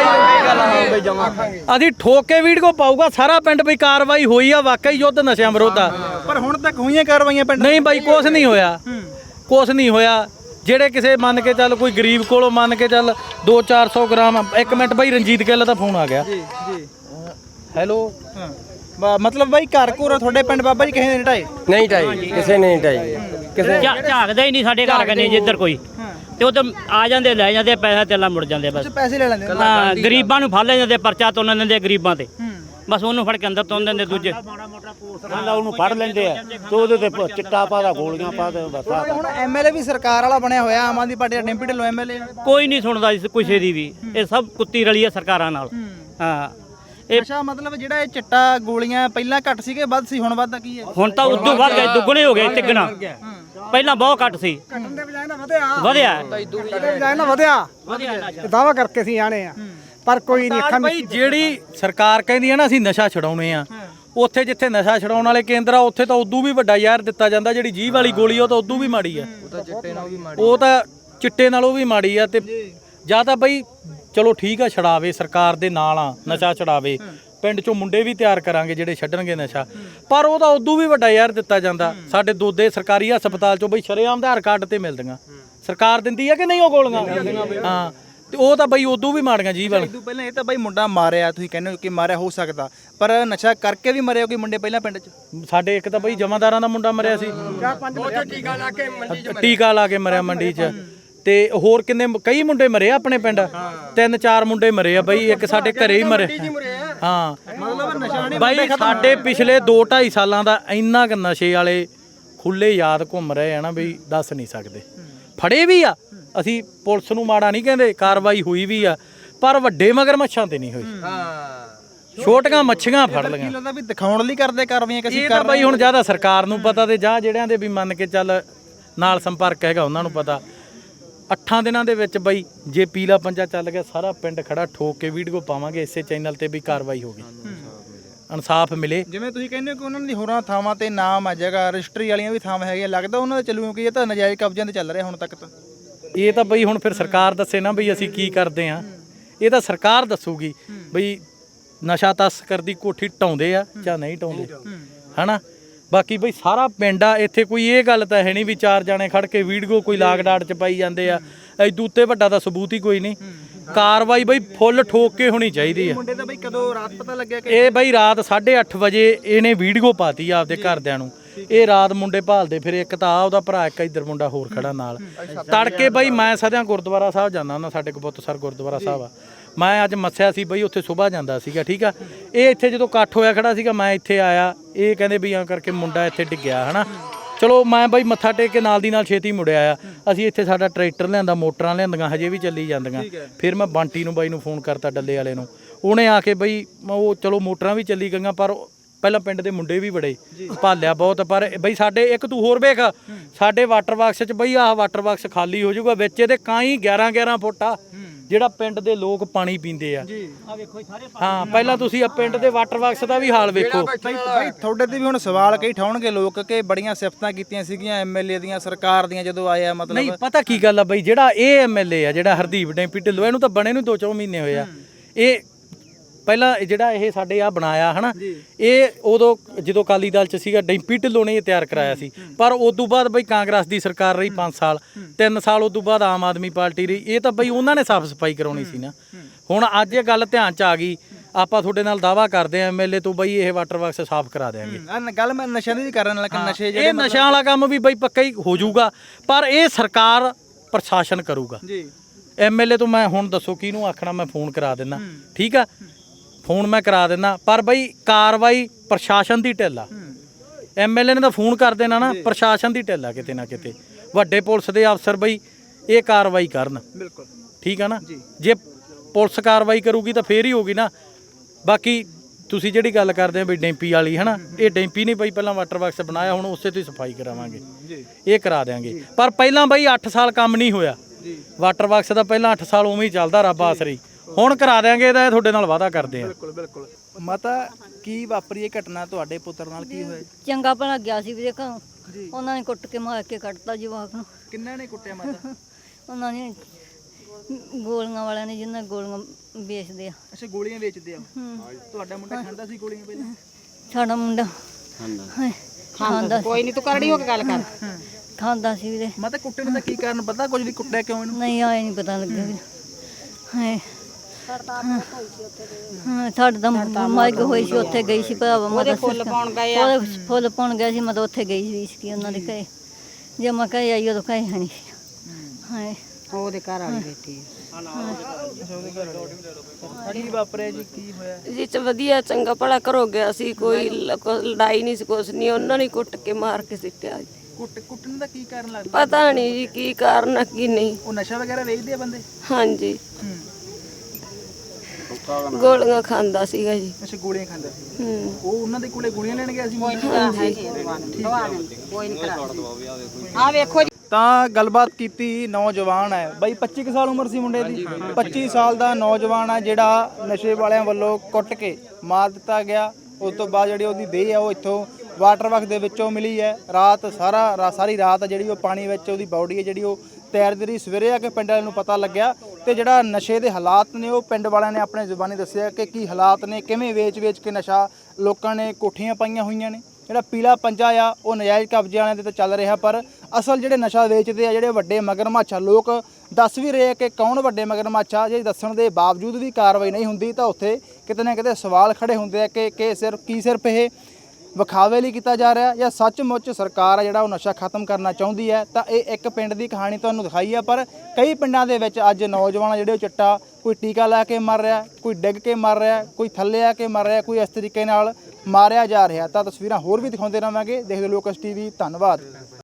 ਅਸੀਂ ਠੋਕ ਕੇ ਵੀਡੀਓ ਪਾਊਗਾ ਸਾਰਾ ਪਿੰਡ ਬਈ ਕਾਰਵਾਈ ਹੋਈ ਆ, ਵਾਕਈ ਯੁੱਧ ਨਸ਼ਿਆਂ ਵਿਰੁੱਧ ਆ। ਪਰ ਹੁਣ ਤੱਕ ਹੋਈਆਂ ਕਾਰਵਾਈਆਂ ਪਿੰਡ? ਨਹੀਂ ਬਾਈ, ਕੁਛ ਨਹੀਂ ਹੋਇਆ, ਕੁਛ ਨਹੀਂ ਹੋਇਆ। ਜਿਹੜੇ ਕਿਸੇ ਮੰਨ ਕੇ ਚੱਲ, ਕੋਈ ਗਰੀਬ ਕੋਲੋਂ ਮੰਨ ਕੇ ਚੱਲ ਦੋ ਚਾਰ ਸੌ ਗ੍ਰਾਮ। ਇੱਕ ਮਿੰਟ ਬਾਈ, ਰਣਜੀਤ ਗਿੱਲ ਦਾ ਫੋਨ ਆ ਗਿਆ। ਜੀ ਜੀ, ਹੈਲੋ। ਮਤਲਬ ਬਾਈ ਘਰ ਘਰ ਤੁਹਾਡੇ ਪਿੰਡ ਬਾਬਾ ਜੀ ਕਿਸੇ ਨੇ ਢਾਏ? ਨਹੀਂ ਢਾਈ, ਕਿਸੇ ਨੇ ਨਹੀਂ ਢਾਈ, ਕਿਸੇ ਝਾਕਦਾ ਹੀ ਨਹੀਂ ਸਾਡੇ ਘਰ ਕਨੇ ਜਿੱਧਰ ਕੋਈ, ਤੇ ਉਧਰ ਆ ਜਾਂਦੇ, ਲੈ ਜਾਂਦੇ, ਪੈਸਾ ਤੇਲਾ ਮੁੜ ਜਾਂਦੇ ਬਸ। ਪੈਸੇ ਲੈ ਲੈਂਦੇ? ਹਾਂ, ਗਰੀਬਾਂ ਨੂੰ ਫੜ ਲੈ ਜਾਂਦੇ, ਪਰਚਾ ਤੋਂ ਦਿੰਦੇ ਗਰੀਬਾਂ ਤੇ, ਬਸ ਉਹਨੂੰ ਫੜ ਕੇ ਅੰਦਰ ਤੋਂ ਦਿੰਦੇ। ਦੂਜੇ ਉਹਨੂੰ ਫੜ ਲੈਂਦੇ ਆ ਤੇ ਉਹਦੇ ਤੇ ਚਿੱਟਾ ਪਾ ਦਾ, ਗੋਲੀਆਂ ਪਾ ਦੇ, ਬਸ। ਹੁਣ ਐਮਐਲਏ ਵੀ ਸਰਕਾਰ ਵਾਲਾ ਬਣਿਆ ਹੋਇਆ, ਆਮ ਆਦਮੀ ਪਾਰਟੀ ਦਾ ਡਿੰਪੀ ਢਿੱਲੋਂ ਐਮਐਲਏ। ਕੋਈ ਨਹੀਂ ਸੁਣਦਾ ਇਸ ਕਿਸੇ ਦੀ ਵੀ, ਇਹ ਸਭ ਕੁੱਤੀ ਰਲੀ ਹੈ ਸਰਕਾਰਾਂ ਨਾਲ। ਹਾਂ, ਇਹ ਅੱਛਾ, ਮਤਲਬ ਜਿਹੜਾ ਇਹ ਚਿੱਟਾ ਗੋਲੀਆਂ ਪਹਿਲਾਂ ਘੱਟ ਸੀਗੇ, ਵੱਧ ਸੀ, ਹੁਣ ਵੱਧਦਾ ਕੀ ਹੈ? ਹੁਣ ਤਾਂ ਉਦੋਂ ਵੱਧ ਗਏ, ਦੁੱਗਣੇ ਹੋ ਗਏ, ਤਿੱਗਣਾ। ਪਹਿਲਾਂ ਬਹੁਤ ਘੱਟ ਸੀ, ਵਧਿਆ ਵਧਿਆ ਦਾਵਾ ਕਰਕੇ ਅਸੀਂ ਆਣੇ ਆ, ਪਰ ਕੋਈ ਨਹੀਂ ਅੱਖਾਂ ਬਈ ਜਿਹੜੀ ਸਰਕਾਰ ਕਹਿੰਦੀ ਆ ਨਾ ਅਸੀਂ ਨਸ਼ਾ ਛਡਾਉਣੇ ਆ, ਉੱਥੇ ਜਿੱਥੇ ਨਸ਼ਾ ਛਡਾਉਣ ਵਾਲੇ ਕੇਂਦਰ ਆ, ਉੱਥੇ ਤਾਂ ਉਦੋਂ ਵੀ ਵੱਡਾ ਜ਼ਹਿਰ ਦਿੱਤਾ ਜਾਂਦਾ। ਜਿਹੜੀ ਜੀਭ ਵਾਲੀ ਗੋਲੀ ਉਹ ਤਾਂ ਉਦੋਂ ਵੀ ਮਾੜੀ ਆ, ਉਹ ਤਾਂ ਚਿੱਟੇ ਨਾਲੋਂ ਵੀ ਮਾੜੀ ਆ। ਤੇ ਜਾਂ ਤਾਂ ਬਈ ਚਲੋ ਠੀਕ ਆ, ਛਡਾਵੇ, ਸਰਕਾਰ ਦੇ ਨਾਲ ਆ, ਨਸ਼ਾ ਛਡਾਵੇ, ਪਿੰਡ ਚੋਂ ਮੁੰਡੇ ਵੀ ਤਿਆਰ ਕਰਾਂਗੇ ਜਿਹੜੇ ਛੱਡਣਗੇ ਨਸ਼ਾ, ਪਰ ਉਹ ਤਾਂ ਉਦੋਂ ਵੀ ਵੱਡਾ ਜ਼ਹਿਰ ਦਿੱਤਾ ਜਾਂਦਾ। ਸਾਡੇ ਦੋਦੇ ਸਰਕਾਰੀ ਹਸਪਤਾਲ ਚੋਂ ਬਈ ਸ਼ਰੇਆਮ ਆਧਾਰ ਕਾਰਡ ਤੇ ਮਿਲਦੀਆਂ, ਸਰਕਾਰ ਦਿੰਦੀ ਆ ਕਿ ਨਹੀਂ ਉਹ ਗੋਲੀਆਂ? ਹਾਂ, ਤੇ ਉਹ ਤਾਂ ਬਈ ਉਦੋਂ ਵੀ ਮਾੜੀਆਂ ਜੀਭ ਵਾਲੇ। ਇਦੋਂ ਪਹਿਲਾਂ ਇਹ ਤਾਂ ਬਈ ਮੁੰਡਾ ਮਾਰਿਆ, ਤੁਸੀਂ ਕਹਿੰਦੇ ਹੋ ਕਿ ਮਾਰਿਆ ਹੋ ਸਕਦਾ, ਪਰ ਨਸ਼ਾ ਕਰਕੇ ਵੀ ਮਰਿਆ ਕੋਈ ਮੁੰਡੇ ਪਹਿਲਾਂ ਪਿੰਡ 'ਚ? ਸਾਡੇ ਇੱਕ ਤਾਂ ਬਈ ਜਮਾਦਾਰਾਂ ਦਾ ਮੁੰਡਾ ਮਰਿਆ ਸੀ, ਟੀਕਾ ਲਾ ਕੇ ਟੀਕਾ ਲਾ ਕੇ ਮਰਿਆ ਮੰਡੀ 'ਚ। ਤੇ ਹੋਰ ਕਿੰਨੇ ਕਈ ਮੁੰਡੇ ਮਰੇ ਆ ਆਪਣੇ ਪਿੰਡ, ਤਿੰਨ ਚਾਰ ਮੁੰਡੇ ਮਰੇ ਆ ਬਈ। ਇੱਕ ਸਾਡੇ ਘਰੇ ਹੀ ਮਰੇ। ਹਾਂ, ਬਾਈ ਸਾਡੇ ਪਿਛਲੇ ਦੋ ਢਾਈ ਸਾਲਾਂ ਦਾ ਇੰਨਾ ਕੁ ਨਸ਼ੇ ਵਾਲੇ ਖੁੱਲੇ ਯਾਦ ਘੁੰਮ ਰਹੇ ਆ ਨਾ ਬਈ, ਦੱਸ ਨਹੀਂ ਸਕਦੇ। ਫੜੇ ਵੀ ਆ, ਅਸੀਂ ਪੁਲਿਸ ਨੂੰ ਮਾੜਾ ਨਹੀਂ ਕਹਿੰਦੇ, ਕਾਰਵਾਈ ਹੋਈ ਵੀ ਆ, ਪਰ ਵੱਡੇ ਮਗਰਮੱਛਾਂ ਤੇ ਨਹੀਂ ਹੋਈ। ਹਾਂ ਛੋਟੀਆਂ ਮੱਛੀਆਂ ਫੜ ਲਈਆਂ। ਕੀ ਲੱਗਦਾ ਵੀ ਦਿਖਾਉਣ ਲਈ ਕਰਦੇ ਕਾਰਵਾਈਆਂ ਕਿ ਅਸੀਂ ਇਹ ਤਾਂ ਬਾਈ ਹੁਣ ਜ਼ਿਆਦਾ ਸਰਕਾਰ ਨੂੰ ਪਤਾ, ਤੇ ਜਾਂ ਜਿਹੜਿਆਂ ਦੇ ਵੀ ਮੰਨ ਕੇ ਚੱਲ ਨਾਲ ਸੰਪਰਕ ਹੈਗਾ ਉਹਨਾਂ ਨੂੰ ਪਤਾ। ਅੱਠਾਂ ਦਿਨਾਂ ਦੇ ਵਿੱਚ ਬਈ ਜੇ ਪੀਲਾ ਪੰਜਾ ਚੱਲ ਗਿਆ, ਸਾਰਾ ਪਿੰਡ ਖੜਾ ਠੋਕ ਕੇ ਵੀਡੀਓ ਪਾਵਾਂਗੇ ਇਸੇ ਚੈਨਲ ਤੇ ਵੀ ਕਾਰਵਾਈ ਹੋ ਗਈ, ਇਨਸਾਫ ਮਿਲੇ। ਜਿਵੇਂ ਤੁਸੀਂ ਕਹਿੰਦੇ ਹੋ ਕਿ ਉਹਨਾਂ ਦੀ ਹੋਰਾਂ ਥਾਵਾਂ ਤੇ ਨਾਮ ਆ, ਜਗ੍ਹਾ ਰਜਿਸਟਰੀ ਵਾਲੀਆਂ ਵੀ ਥਾਵਾਂ ਹੈਗੀਆਂ, ਲੱਗਦਾ ਉਹਨਾਂ ਦਾ ਚੱਲੂ, ਕਿਉਂਕਿ ਇਹ ਤਾਂ ਨਜਾਇਜ਼ ਕਬਜ਼ਿਆਂ ਤੇ ਚੱਲ ਰਿਹਾ ਹੁਣ ਤੱਕ ਤਾਂ। ਇਹ ਤਾਂ ਬਈ ਹੁਣ ਫਿਰ ਸਰਕਾਰ ਦੱਸੇ ਨਾ ਬਈ ਅਸੀਂ ਕੀ ਕਰਦੇ ਆ, ਇਹ ਤਾਂ ਸਰਕਾਰ ਦੱਸੂਗੀ ਬਈ ਨਸ਼ਾ ਤਸਕਰ ਦੀ ਕੋਠੀ ਢਾਉਂਦੇ ਆ ਜਾਂ ਨਹੀਂ ਢਾਉਂਦੇ, ਹਨਾ। ਬਾਕੀ ਬਈ ਸਾਰਾ ਪਿੰਡ ਆ ਇੱਥੇ, ਕੋਈ ਇਹ ਗੱਲ ਤਾਂ ਹੈ ਨਹੀਂ ਵੀ ਚਾਰ ਜਾਣੇ ਖੜ ਕੇ ਵੀਡੀਓ ਕੋਈ ਲਾਗ ਡਾਟ ਚ ਪਾਈ ਜਾਂਦੇ ਆ। ਐਦੂ ਉੱਤੇ ਵੱਡਾ ਤਾਂ ਸਬੂਤ ਹੀ ਕੋਈ ਨਹੀਂ। ਕਾਰਵਾਈ ਬਈ ਫੁੱਲ ਠੋਕ ਕੇ ਹੋਣੀ ਚਾਹੀਦੀ ਆ। ਮੁੰਡੇ ਦਾ ਬਈ ਕਦੋਂ ਰਾਤ ਪਤਾ ਲੱਗਿਆ ਕਿ ਇਹ ਬਈ ਰਾਤ ਸਾਢੇ ਅੱਠ ਵਜੇ ਇਹਨੇ ਵੀਡੀਓ ਪਾਤੀ ਆਪਦੇ ਘਰਦਿਆਂ ਨੂੰ। ਇਹ ਰਾਤ ਮੁੰਡੇ ਭਾਲਦੇ ਫਿਰ, ਇੱਕ ਤਾਂ ਆ ਉਹਦਾ ਭਰਾ, ਇੱਕ ਇੱਧਰ ਮੁੰਡਾ ਹੋਰ ਖੜਾ ਨਾਲ। ਤੜਕੇ ਬਈ ਮੈਂ ਸਦਿਆਂ ਗੁਰਦੁਆਰਾ ਸਾਹਿਬ ਜਾਂਦਾ ਹੁੰਦਾ, ਸਾਡੇ ਕਬੂਤਸਰ ਗੁਰਦੁਆਰਾ ਸਾਹਿਬ ਆ, ਮੈਂ ਅੱਜ ਮੱਸਿਆ ਸੀ ਬਈ ਉੱਥੇ ਸੁਬਾਹ ਜਾਂਦਾ ਸੀਗਾ, ਠੀਕ ਆ। ਇਹ ਇੱਥੇ ਜਦੋਂ ਇਕੱਠ ਹੋਇਆ ਖੜਾ ਸੀਗਾ, ਮੈਂ ਇੱਥੇ ਆਇਆ, ਇਹ ਕਹਿੰਦੇ ਵੀ ਐਂ ਕਰਕੇ ਮੁੰਡਾ ਇੱਥੇ ਡਿੱਗਿਆ, ਹਨਾ। ਚਲੋ ਮੈਂ ਬਈ ਮੱਥਾ ਟੇਕ ਕੇ ਨਾਲ ਦੀ ਨਾਲ ਛੇਤੀ ਮੁੜਿਆ ਆ। ਅਸੀਂ ਇੱਥੇ ਸਾਡਾ ਟਰੈਕਟਰ ਲਿਆਂਦਾ, ਮੋਟਰਾਂ ਲਿਆਂਦੀਆਂ, ਹਜੇ ਵੀ ਚੱਲੀ ਜਾਂਦੀਆਂ। ਫਿਰ ਮੈਂ ਬੰਟੀ ਨੂੰ ਬਾਈ ਨੂੰ ਫੋਨ ਕਰਤਾ, ਡੱਲੇ ਵਾਲੇ ਨੂੰ, ਉਹਨੇ ਆ ਕੇ ਬਈ ਉਹ ਚਲੋ ਮੋਟਰਾਂ ਵੀ ਚੱਲੀ ਗਈਆਂ, ਪਰ ਪਹਿਲਾਂ ਪਿੰਡ ਦੇ ਮੁੰਡੇ ਵੀ ਬੜੇ ਭਾਲਿਆ ਬਹੁਤ। ਪਰ ਬਈ ਸਾਡੇ ਇੱਕ ਤੂੰ ਹੋਰ ਵੇਖ, ਸਾਡੇ ਵਾਟਰ ਬਾਕਸ 'ਚ ਬਈ ਆਹ ਵਾਟਰ ਬਾਕਸ ਖਾਲੀ ਹੋ ਜਾਊਗਾ, ਵਿੱਚ ਇਹਦੇ ਕਾਈ ਗਿਆਰਾਂ ਗਿਆਰਾਂ ਫੁੱਟ ਆ ਜਿਹੜਾ ਪਿੰਡ ਦੇ ਲੋਕ ਪਾਣੀ ਪੀਂਦੇ ਆ। ਹਾਂ ਪਹਿਲਾਂ ਤੁਸੀਂ ਆ ਪਿੰਡ ਦੇ ਵਾਟਰ ਬਾਕਸ ਦਾ ਵੀ ਹਾਲ ਵੇਖੋ। ਭਾਈ ਤੁਹਾਡੇ ਤੇ ਵੀ ਹੁਣ ਸਵਾਲ ਕਈ ਠਾਉਣਗੇ ਲੋਕ ਕਿ ਬੜੀਆਂ ਸਿਫਤਾਂ ਕੀਤੀਆਂ ਸੀਗੀਆਂ ਐਮਐਲਏ ਦੀਆਂ, ਸਰਕਾਰ ਦੀਆਂ, ਜਦੋਂ ਆਏ ਆ। ਮਤਲਬ ਨਹੀਂ ਪਤਾ ਕੀ ਗੱਲ ਆ ਬਈ, ਜਿਹੜਾ ਇਹ ਐਮਐਲਏ ਆ ਜਿਹੜਾ ਹਰਦੀਪ ਡੈਂਪੀ ਢਿੱਲੋਂ, ਇਹਨੂੰ ਤਾਂ ਬਣੇ ਨੂੰ ਦੋ ਚੌ ਮਹੀਨੇ ਹੋਏ ਆ। ਇਹ ਪਹਿਲਾਂ ਜਿਹੜਾ ਇਹ ਸਾਡੇ ਆ ਬਣਾਇਆ ਹਨਾ, ਇਹ ਉਦੋਂ ਜਦੋਂ ਅਕਾਲੀ ਦਲ 'ਚ ਸੀਗਾ ਡੈਂਪੀ ਢਿੱਲੋਂ ਨੇ ਇਹ ਤਿਆਰ ਕਰਾਇਆ ਸੀ। ਪਰ ਉਦੋਂ ਬਾਅਦ ਬਈ ਕਾਂਗਰਸ ਦੀ ਸਰਕਾਰ ਰਹੀ ਪੰਜ ਸਾਲ, ਤਿੰਨ ਸਾਲ ਉਦੋਂ ਬਾਅਦ ਆਮ ਆਦਮੀ ਪਾਰਟੀ ਰਹੀ। ਇਹ ਤਾਂ ਬਈ ਉਹਨਾਂ ਨੇ ਸਾਫ਼ ਸਫਾਈ ਕਰਾਉਣੀ ਸੀ ਨਾ। ਹੁਣ ਅੱਜ ਇਹ ਗੱਲ ਧਿਆਨ 'ਚ ਆ ਗਈ, ਆਪਾਂ ਤੁਹਾਡੇ ਨਾਲ ਦਾਅਵਾ ਕਰਦੇ ਆ ਐਮਐਲਏ ਤੋਂ ਬਈ ਇਹ ਵਾਟਰ ਬਾਕਸ ਸਾਫ਼ ਕਰਾ ਦੇਾਂਗੇ। ਗੱਲ ਮੈਂ ਨਸ਼ਿਆਂ ਦੀ ਕਰਨ ਲੱਗਾ, ਨਸ਼ੇ ਇਹ ਨਸ਼ਿਆਂ ਵਾਲਾ ਕੰਮ ਵੀ ਬਈ ਪੱਕਾ ਹੀ ਹੋ ਜਾਊਗਾ, ਪਰ ਇਹ ਸਰਕਾਰ ਪ੍ਰਸ਼ਾਸਨ ਕਰੂਗਾ ਜੀ। ਐਮਐਲਏ ਤੋਂ ਮੈਂ ਹੁਣ ਦੱਸੋ ਕਿਹਨੂੰ ਆਖਣਾ, ਮੈਂ ਫੋਨ ਕਰਾ ਦਿੰਦਾ, ਠੀਕ ਆ, ਫੋਨ ਮੈਂ ਕਰਾ ਦਿੰਦਾ, ਪਰ ਬਈ ਕਾਰਵਾਈ ਪ੍ਰਸ਼ਾਸਨ ਦੀ ਢਿੱਲ ਆ। ਐਮਐਲਏ ਨੇ ਤਾਂ ਫੋਨ ਕਰ ਦੇਣਾ ਨਾ, ਪ੍ਰਸ਼ਾਸਨ ਦੀ ਢਿੱਲ ਆ ਕਿਤੇ ਨਾ ਕਿਤੇ। ਵੱਡੇ ਪੁਲਿਸ ਦੇ ਅਫਸਰ ਬਈ ਇਹ ਕਾਰਵਾਈ ਕਰਨ, ਬਿਲਕੁਲ ਠੀਕ ਆ ਨਾ। ਜੇ ਪੁਲਿਸ ਕਾਰਵਾਈ ਕਰੂਗੀ ਤਾਂ ਫੇਰ ਹੀ ਹੋਗੀ ਨਾ। ਬਾਕੀ ਤੁਸੀਂ ਜਿਹੜੀ ਗੱਲ ਕਰਦੇ ਆ ਬਈ ਡੈਂਪੀ ਵਾਲੀ ਹਨਾ, ਇਹ ਡੈਂਪੀ ਨਹੀਂ ਬਈ ਪਹਿਲਾਂ ਵਾਟਰ ਬਾਕਸ ਬਣਾਇਆ, ਹੁਣ ਉਸੇ ਤੋਂ ਹੀ ਸਫਾਈ ਕਰਾਵਾਂਗੇ, ਇਹ ਕਰਾ ਦਿਆਂਗੇ। ਪਰ ਪਹਿਲਾਂ ਬਈ ਅੱਠ ਸਾਲ ਕੰਮ ਨਹੀਂ ਹੋਇਆ ਵਾਟਰ ਬਾਕਸ ਦਾ, ਪਹਿਲਾਂ ਅੱਠ ਸਾਲ ਉਵੇਂ ਹੀ ਚੱਲਦਾ, ਰੱਬ ਆਸਰੀ। ਹੁਣ ਕਰਾ ਦਿਆਂਗੇ, ਇਹਦਾ ਤੁਹਾਡੇ ਨਾਲ ਵਾਅਦਾ ਕਰਦੇ ਆ। ਬਿਲਕੁਲ ਬਿਲਕੁਲ। ਮਾਤਾ ਕੀ ਵਾਪਰੀ ਇਹ ਘਟਨਾ ਤੁਹਾਡੇ ਪੁੱਤਰ ਨਾਲ, ਕੀ ਹੋਇਆ? ਚੰਗਾ ਭਲਾ ਗਿਆ ਸੀ ਵੀਰੇ ਘਰੋਂ, ਉਹਨਾਂ ਨੇ ਕੁੱਟ ਕੇ ਮਾਰ ਕੇ ਕੱਢਤਾ ਜਵਾਕ ਨੂੰ। ਕਿੰਨਾਂ ਨੇ ਕੁੱਟਿਆ ਮਾਤਾ? ਉਹਨਾਂ ਨੇ ਗੋਲੀਆਂ ਵਾਲਿਆਂ ਨੇ, ਜਿਨ੍ਹਾਂ ਗੋਲੀਆਂ ਵੇਚਦੇ ਆ। ਅੱਛਾ ਗੋਲੀਆਂ ਵੇਚਦੇ ਆ। ਤੁਹਾਡਾ ਮੁੰਡਾ ਖਾਂਦਾ ਸੀ ਗੋਲੀਆਂ ਪਹਿਲਾਂ? ਸਾਡਾ ਮੁੰਡਾ ਖਾਂਦਾ। ਕੋਈ ਨਹੀਂ, ਤੂੰ ਕਰੜੀ ਹੋ ਕੇ ਗੱਲ ਕਰ। ਖਾਂਦਾ ਸੀ ਵੀਰੇ। ਮਾਤਾ ਕੁੱਟਣ ਦਾ ਕੀ ਕਾਰਨ ਪਤਾ ਕੁਝ? ਵੀ ਕੁੱਟਿਆ ਕਿਉਂ ਇਹਨੂੰ? ਨਹੀਂ ਆਏ ਨਹੀਂ ਪਤਾ ਲੱਗਿਆ ਵੀਰੇ। ਹਾਂ ਸਾਡੇ ਤਾਂ ਮਰਗ ਹੋਈ ਸੀ, ਉੱਥੇ ਗਈ ਸੀ ਭਰਾਵਾ, ਮਤਲਬ ਫੁੱਲ ਪਾਉਣ ਗਏ ਆ। ਉਹਦੇ ਫੁੱਲ ਪਾਉਣ ਗਏ ਸੀ, ਮਤਲਬ ਉੱਥੇ ਗਈ ਸੀ ਉਹਨਾਂ ਦੇ ਘਰੇ। ਜੇ ਮੈਂ ਘਰੇ ਆਈ ਉਦੋਂ ਘਰੇ ਹੈ ਨਹੀਂ ਸੀ। ਹਾਂ ਉਹਦੇ ਘਰ ਵਾਲੀ ਬੈਠੀ ਕੀ ਵਾਪਰਿਆ ਜੀ, ਕੀ ਹੋਇਆ ਜੀ? ਚ ਵਧੀਆ ਚੰਗਾ ਭਲਾ ਘਰੋਂ ਗਿਆ ਸੀ, ਕੋਈ ਲੜਾਈ ਨਹੀਂ ਸੀ, ਕੁਛ ਨਹੀਂ। ਉਹਨਾਂ ਨੇ ਕੁੱਟ ਕੇ ਮਾਰ ਕੇ ਸਿੱਟਿਆ ਜੀ। ਕੁੱਟ ਕੁੱਟਣ ਦਾ ਕੀ ਕਾਰਨ ਲੱਗਦਾ? ਪਤਾ ਨਹੀਂ ਜੀ ਕੀ ਕਾਰਨ ਆ ਕੀ ਨਹੀਂ। ਉਹ ਨਸ਼ਾ ਵਗੈਰਾ ਵੇਚਦੇ ਆ ਬੰਦੇ? ਹਾਂਜੀ ਗੋਲੀਆਂ ਖਾਂਦਾ ਸੀਗਾ ਜੀ। ਅੱਛਾ ਗੋਲੀਆਂ ਖਾਂਦਾ ਸੀ। ਹੂੰ ਉਹ ਉਹਨਾਂ ਦੇ ਕੋਲੇ ਗੋਲੀਆਂ ਲੈਣ ਗਿਆ ਸੀ? ਕੋਈ ਨਹੀਂ ਕਰਾ। ਆ ਵੇਖੋ ਜੀ। ਤਾਂ ਗੱਲਬਾਤ ਕੀਤੀ, ਨੌਜਵਾਨ ਹੈ ਬਾਈ, ਪੱਚੀ ਕੁ ਸਾਲ ਉਮਰ ਸੀ ਮੁੰਡੇ ਦੀ। ਪੱਚੀ ਸਾਲ ਦਾ ਨੌਜਵਾਨ ਹੈ ਜਿਹੜਾ ਨਸ਼ੇ ਵਾਲਿਆਂ ਵੱਲੋਂ ਕੁੱਟ ਕੇ ਮਾਰ ਦਿੱਤਾ ਗਿਆ। ਉਸ ਤੋਂ ਬਾਅਦ ਜਿਹੜੀ ਉਹਦੀ ਦੇਹ ਆ ਉਹ ਇੱਥੋਂ ਵਾਟਰ ਬਾਕਸ ਦੇ ਵਿੱਚੋਂ ਮਿਲੀ ਹੈ। ਰਾਤ ਸਾਰਾ ਸਾਰੀ ਰਾਤ ਜਿਹੜੀ ਉਹ ਪਾਣੀ ਵਿੱਚ ਉਹਦੀ ਬਾਡੀ ਹੈ ਜਿਹੜੀ ਉਹ ਤੈਰਦੀ ਰਹੀ। ਸਵੇਰੇ ਆ ਕੇ ਪਿੰਡ ਵਾਲਿਆਂ ਨੂੰ ਪਤਾ ਲੱਗਿਆ, ਤੇ ਜਿਹੜਾ ਨਸ਼ੇ ਦੇ ਹਾਲਾਤ ਨੇ ਉਹ ਪਿੰਡ ਵਾਲਿਆਂ ਨੇ ਆਪਣੇ ਜ਼ੁਬਾਨੀ ਦੱਸਿਆ ਕਿ ਕੀ ਹਾਲਾਤ ਨੇ, ਕਿਵੇਂ ਵੇਚ-ਵੇਚ ਕੇ ਨਸ਼ਾ ਲੋਕਾਂ ਨੇ ਕੋਠੀਆਂ ਪਾਈਆਂ ਹੋਈਆਂ ਨੇ। ਜਿਹੜਾ ਪੀਲਾ ਪੰਜਾ ਆ ਉਹ ਨਜਾਇਜ਼ ਕਬਜ਼ੇ ਵਾਲਿਆਂ ਦੇ ਤਾਂ ਚੱਲ ਰਿਹਾ, ਪਰ ਅਸਲ ਜਿਹੜੇ ਨਸ਼ਾ ਵੇਚਦੇ ਆ ਜਿਹੜੇ ਵੱਡੇ ਮਗਰਮੱਛ ਆ, ਲੋਕ ਦੱਸ ਵੀ ਰਹੇ ਕਿ ਕੌਣ ਵੱਡੇ ਮਗਰਮੱਛ ਆ। ਜੇ ਦੱਸਣ ਦੇ ਬਾਵਜੂਦ ਵੀ ਕਾਰਵਾਈ ਨਹੀਂ ਹੁੰਦੀ ਤਾਂ ਉੱਥੇ ਕਿਤੇ ਨਾ ਕਿਤੇ ਸਵਾਲ ਖੜੇ ਹੁੰਦੇ ਆ ਕਿ ਕਿ ਸਿਰਫ ਕੀ ਸਿਰਫ ਇਹ ਵਿਖਾਵੇ ਲਈ ਕੀਤਾ ਜਾ ਰਿਹਾ ਜਾਂ ਸੱਚਮੁੱਚ ਸਰਕਾਰ ਆ ਜਿਹੜਾ ਉਹ ਨਸ਼ਾ ਖਤਮ ਕਰਨਾ ਚਾਹੁੰਦੀ ਹੈ। ਤਾਂ ਇਹ ਇੱਕ ਪਿੰਡ ਦੀ ਕਹਾਣੀ ਤੁਹਾਨੂੰ ਦਿਖਾਈ ਆ, ਪਰ ਕਈ ਪਿੰਡਾਂ ਦੇ ਵਿੱਚ ਅੱਜ ਨੌਜਵਾਨ ਜਿਹੜੇ ਉਹ ਚਿੱਟਾ ਕੋਈ ਟੀਕਾ ਲਾ ਕੇ ਮਰ ਰਿਹਾ, ਕੋਈ ਡਿੱਗ ਕੇ ਮਰ ਰਿਹਾ, ਕੋਈ ਥੱਲੇ ਆ ਕੇ ਮਰ ਰਿਹਾ, ਕੋਈ ਇਸ ਤਰੀਕੇ ਨਾਲ ਮਾਰਿਆ ਜਾ ਰਿਹਾ। ਤਾਂ ਤਸਵੀਰਾਂ ਹੋਰ ਵੀ ਦਿਖਾਉਂਦੇ ਰਹਾਂਗੇ। ਦੇਖਦੇ ਲੋਕਸ ਟੀਵੀ, ਧੰਨਵਾਦ।